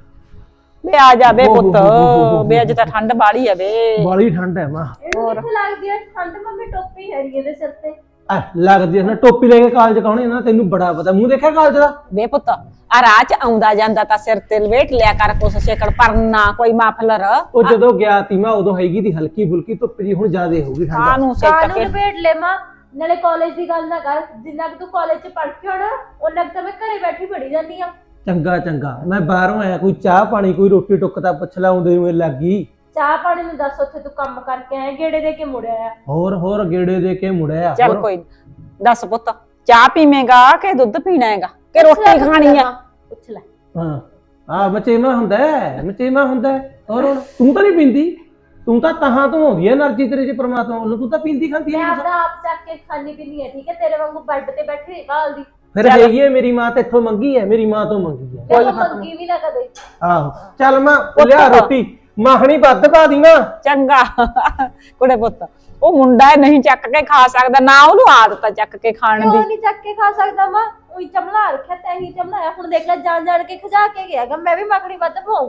Speaker 5: ਬੇ, ਆ ਜਾ ਬੇ
Speaker 3: ਓਹ ਹੋ
Speaker 5: ਪੁੱਤ,
Speaker 3: ਹੋ ਹੋ ਹੋ
Speaker 5: ਬੇ ਅੱਜ ਤਾਂ ਠੰਡ ਬਾਲੀ ਆ ਬੇ।
Speaker 3: ਬਾਲੀ ਠੰਡ ਹੈ ਮਾਂ।
Speaker 6: ਇਹਨੂੰ ਕਿੱਥੇ ਲੱਗਦੀ ਹੈ ਠੰਡ? ਮੰਮੀ ਟੋਪੀ ਹੈ ਰੀ ਇਹਦੇ ਸਿਰ ਤੇ।
Speaker 3: ਐ ਲੱਗਦੀ ਹੈ ਨਾ, ਟੋਪੀ ਲੈ ਕੇ ਕਾਲਜ ਕਾਉਣੀ ਨਾ, ਤੈਨੂੰ ਬੜਾ ਪਤਾ। ਮੂੰਹ ਦੇਖਿਆ ਕਾਲਜ ਦਾ?
Speaker 5: ਬੇ ਪੁੱਤ ਆ ਰਾਹ ਚ ਆਉਂਦਾ ਜਾਂਦਾ ਤਾਂ ਸਿਰ ਤੇ ਲਵੇਟ ਲਿਆ ਕਰ ਕੁਛ ਸ਼ੇਕੜ, ਪਰਨਾ ਕੋਈ ਮਾਫਲਰ।
Speaker 3: ਉਹ ਜਦੋਂ ਗਿਆ ਤੀ ਮੈਂ ਉਦੋਂ ਹੈਗੀ ਦੀ ਹਲਕੀ ਫੁਲਕੀ ਧੁੱਪ ਜੀ, ਹੁਣ ਜ਼ਿਆਦੇ ਹੋਊਗੀ ਠੰਡ।
Speaker 5: ਕਾਨੂੰ ਸੇਕ
Speaker 6: ਕਾਨੂੰ
Speaker 5: ਕੇ
Speaker 6: ਲਪੇਟ ਲੈ ਮਾਂ, ਨਾਲੇ ਕਾਲਜ ਦੀ ਗੱਲ ਨਾ ਕਰ। ਜਿੰਨਾ ਕਿ ਤੂੰ ਕਾਲਜ ਚ ਪੜ੍ਹ ਕੇ ਆਉਣਾ ਉਹਨਾਂ ਕਿ ਤਾਂ ਮੈਂ ਘਰੇ ਬੈਠੀ ਪੜੀ ਜਾਂਦੀ ਆ।
Speaker 3: ਚੰਗਾ ਚੰਗਾ, ਮੈਂ ਬਾਹਰੋਂ ਆਇਆ, ਕੋਈ ਚਾਹ ਪਾਣੀ ਕੋਈ ਰੋਟੀ ਟੁੱਕ ਤਾਂ ਪੁੱਛ ਲਾ, ਆਉਂਦੇ ਨੂੰ ਇਹ ਲੱਗ ਗਈ।
Speaker 6: ਚਾਹ ਪਾਣੀ ਨੂੰ ਦੱਸ, ਉੱਥੇ ਤੂੰ ਕੰਮ ਕਰਕੇ ਆਇਆ, ਗੇੜੇ ਦੇ ਕੇ ਮੁੜਿਆ ਆ।
Speaker 3: ਹੋਰ ਹੋਰ ਗੇੜੇ ਦੇ ਕੇ ਮੁੜਿਆ।
Speaker 5: ਚੱਲ
Speaker 3: ਹੋਰ-
Speaker 5: ਕੋਈ ਨੀ। ਦੱਸ ਪੁੱਤ ਚਾਹ ਪੀਵੇਂਗਾ ਕਿ ਦੁੱਧ ਪੀਣਾ ਹੈਗਾ ਕਿ
Speaker 6: ਪੁੱਛ ਲੈ,
Speaker 5: ਰੋਟੀ
Speaker 6: ਪੁੱਛ
Speaker 5: ਖਾਣੀ
Speaker 6: ਲੈ
Speaker 5: ਆ?
Speaker 6: ਮਾਂ, ਪੁੱਛ ਲੈ।
Speaker 3: ਹਾਂ ਆ ਮਚੇਮਾ ਹੁੰਦਾ ਹੈ, ਮਚੇਮਾ ਹੁੰਦਾ ਹੈ। ਹੋਰ ਹੁਣ ਤੂੰ ਤਾਂ ਨਹੀਂ ਪੀਂਦੀ, ਤੂੰ ਤਾਂ ਤਹਾਂ ਤੋਂ ਆਉਂਦੀ ਹੈ એનર્ਜੀ ਤੇਰੇ ਚ ਪਰਮਾਤਮਾ ਵੱਲੋਂ, ਤੂੰ ਤਾਂ ਪੀਂਦੀ ਖਾਂਦੀ
Speaker 6: ਮੈਂ
Speaker 3: ਹੈ।
Speaker 6: ਆਪਦਾ ਆਪ ਚੱਕ ਕੇ ਖਾਣੀ ਪੀਣੀ ਹੈ, ਠੀਕ ਹੈ? ਤੇਰੇ ਵਾਂਗੂ ਬੈੱਡ ਤੇ ਬੈਠੀ ਨਹੀਂ ਘਾਲਦੀ।
Speaker 3: ਫਿਰ ਹੈਗੀ ਹੈ ਮੇਰੀ ਮਾਂ ਤੇ ਇੱਥੋਂ ਮੰਗੀ ਹੈ, ਮੇਰੀ ਮਾਂ ਤੋਂ ਮੰਗੀ ਹੈ।
Speaker 6: ਕੋਈ ਮੰਗੀ ਵੀ ਨਾ ਕਦੇ।
Speaker 3: ਆਹੋ ਚੱਲ ਮੈਂ ਲਿਆ ਰੋਟੀ, ਮਾਖਣੀ ਵੱਧ ਪਾ ਦੀ ਨਾ।
Speaker 5: ਚੰਗਾ ਕੁੜੇ ਪੁੱਤ, ਉਹ ਮੁੰਡਾ ਹੈ, ਨਹੀਂ ਚੱਕ ਕੇ ਖਾ ਸਕਦਾ, ਨਾ ਉਹਨੂੰ ਆਦਤ ਆ ਚੱਕ ਕੇ ਖਾਣ
Speaker 6: ਕਿਉਂ
Speaker 5: ਦੀ।
Speaker 6: ਨਹੀਂ ਚੱਕ ਕੇ ਖਾ ਸਕਦਾ ਮਾਂ? ਉਹੀ ਚਮਲਾ ਰੱਖਿਆ ਤੈਂ ਹੀ ਚਮਲਾਇਆ। ਹੁਣ ਦੇਖ ਲੈ, ਜਾਣ ਜਾਣ ਕੇ ਖਜਾ ਕੇ ਗਿਆਗਾ। ਮੈਂ ਵੀ ਮੱਖਣੀ ਵੱਧ ਪਾਉ।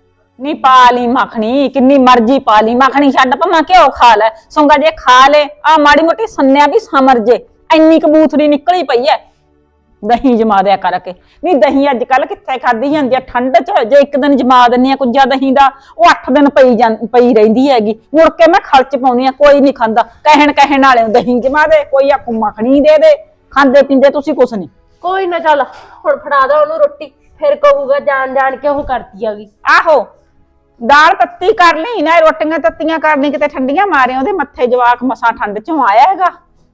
Speaker 5: ਨੀ ਪਾ ਲਈ ਮੱਖਣੀ, ਕਿੰਨੀ ਮਰਜ਼ੀ ਪਾ ਲਈ ਮੱਖਣੀ, ਛੱਡ ਭਾਵੇਂ ਘਿਓ ਖਾ ਲੈ। ਸੁੰਗਾ ਜੇ ਖਾ ਲੈ ਆ ਮਾੜੀ ਮੋਟੀ ਸੰਨਿਆ ਵੀ ਸਮਰ ਜੇ, ਇੰਨੀ ਕਬੂਥੜੀ ਨਿਕਲੀ ਪਈ ਐ। ਦਹੀਂ ਜਮਾ ਦਿਆ ਕਰਕੇ। ਨਹੀਂ ਦਹੀਂ ਅੱਜ ਕੱਲ ਕਿੱਥੇ ਖਾਧੀ ਜਾਂਦੀ ਆ ਠੰਡ ਚ? ਜੇ ਇੱਕ ਦਿਨ ਜਮਾ ਦਿੰਨੀ ਆ ਕੁੱਜਾ ਦਹੀਂ ਦਾ, ਉਹ ਅੱਠ ਦਿਨ ਪਈ ਜਾਂ ਪਈ ਰਹਿੰਦੀ ਹੈਗੀ। ਮੁੜ ਕੇ ਮੈਂ ਖਰਚ ਪਾਉਣੀ ਆ, ਕੋਈ ਨਹੀਂ ਖਾਂਦਾ। ਕਹਿਣ ਕਹਿਣ ਵਾਲੇ ਨੂੰ ਦਹੀਂ ਜਮਾ ਦੇ, ਕੋਈ ਆਖੂ ਮੱਖਣੀ ਦੇ ਦੇ। ਖਾਂਦੇ ਪੀਂਦੇ ਤੁਸੀਂ ਕੁਛ ਨਹੀਂ।
Speaker 6: ਕੋਈ ਨਾ, ਚੱਲ ਹੁਣ ਫੜਾ ਦੋ ਉਹਨੂੰ ਰੋਟੀ, ਫਿਰ ਕਹੂਗਾ ਜਾਣ ਜਾਣ ਕੇ ਉਹ ਕਰਦੀ ਆਗੀ।
Speaker 5: ਆਹੋ ਦਾਲ ਤੱਤੀ ਕਰ ਲਈ ਨਾ, ਰੋਟੀਆਂ ਤੱਤੀਆਂ ਕਰਨੀ, ਕਿਤੇ ਠੰਡੀਆਂ ਮਾਰੇ ਉਹਦੇ ਮੱਥੇ। ਜਵਾਕ ਮਸਾਂ ਠੰਡ ਚੋਂ ਆਇਆ ਹੈਗਾ,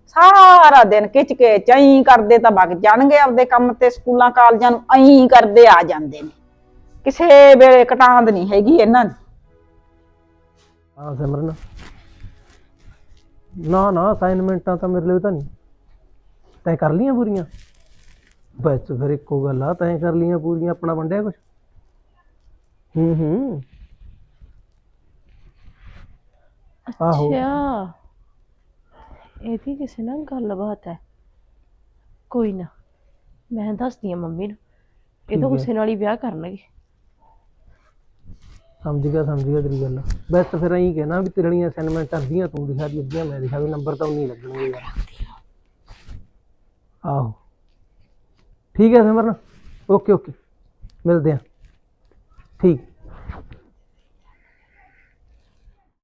Speaker 5: ਸਾਰਾ ਦਿਨ ਖਿੱਚ ਕੇ ਚਈ ਕਰਦੇ ਤਾਂ ਵਗ ਜਾਣਗੇ ਆਪਦੇ ਕੰਮ ਤੇ, ਸਕੂਲਾਂ ਕਾਲਜਾਂ ਨੂੰ ਐਂ ਕਰਦੇ ਆ ਜਾਂਦੇ ਨੇ। ਕਿਸੇ ਵੇਲੇ ਕਟਾਂਦ ਨਹੀਂ ਹੈਗੀ ਇਹਨਾਂ ਦੀ।
Speaker 3: ਹਾਂ ਸਿਮਰਨ, ਨਾ ਨਾ ਅਸਾਈਨਮੈਂਟਾਂ ਤਾਂ ਮੇਰੇ ਲਈ ਤਾਂ ਨਹੀਂ। ਤੈਂ ਕਰ ਲੀਆਂ ਪੂਰੀਆਂ? ਬਸ ਫਿਰ ਇੱਕੋ ਗੱਲ ਆ, ਤੈਂ ਕਰ ਲੀਆਂ ਪੂਰੀਆਂ, ਆਪਣਾ ਵੰਡਿਆ ਕੁਛ? ਹੂੰ ਹੂੰ ਆਹੋ
Speaker 2: ਅੱਛਾ, ਇਹਦੀ ਕਿਸੇ ਨਾਲ ਗੱਲਬਾਤ ਹੈ। ਕੋਈ ਨਾ, ਮੈਂ ਦੱਸਦੀ ਆ ਮੰਮੀ ਨੂੰ। ਇਹ
Speaker 3: ਠੀਕ
Speaker 2: ਤਾਂ
Speaker 3: ਹੈ।
Speaker 2: ਉਸੇ ਨਾਲ ਹੀ ਵਿਆਹ ਕਰਨਗੇ।
Speaker 3: ਸਮਝ ਗਿਆ ਸਮਝ ਗਿਆ ਤੇਰੀ ਗੱਲ। ਬਸ ਫਿਰ ਐਂ ਕਹਿਣਾ ਵੀ ਤੇਰੀਆਂ ਅਸਾਈਨਮੈਂਟ ਅੱਧੀਆਂ ਤੂੰ ਦਿਖਾ ਦੀ, ਅੱਧੀਆਂ ਮੈਂ ਦਿਖਾ ਵੀ, ਨੰਬਰ ਤਾਂ ਉਨੀ ਲੱਗਣਗੇ ਯਾਰ। ਆਹੋ ਠੀਕ ਹੈ ਸਿਮਰਨ, ਓਕੇ ਓਕੇ, ਮਿਲਦੇ ਆ। ਠੀਕ।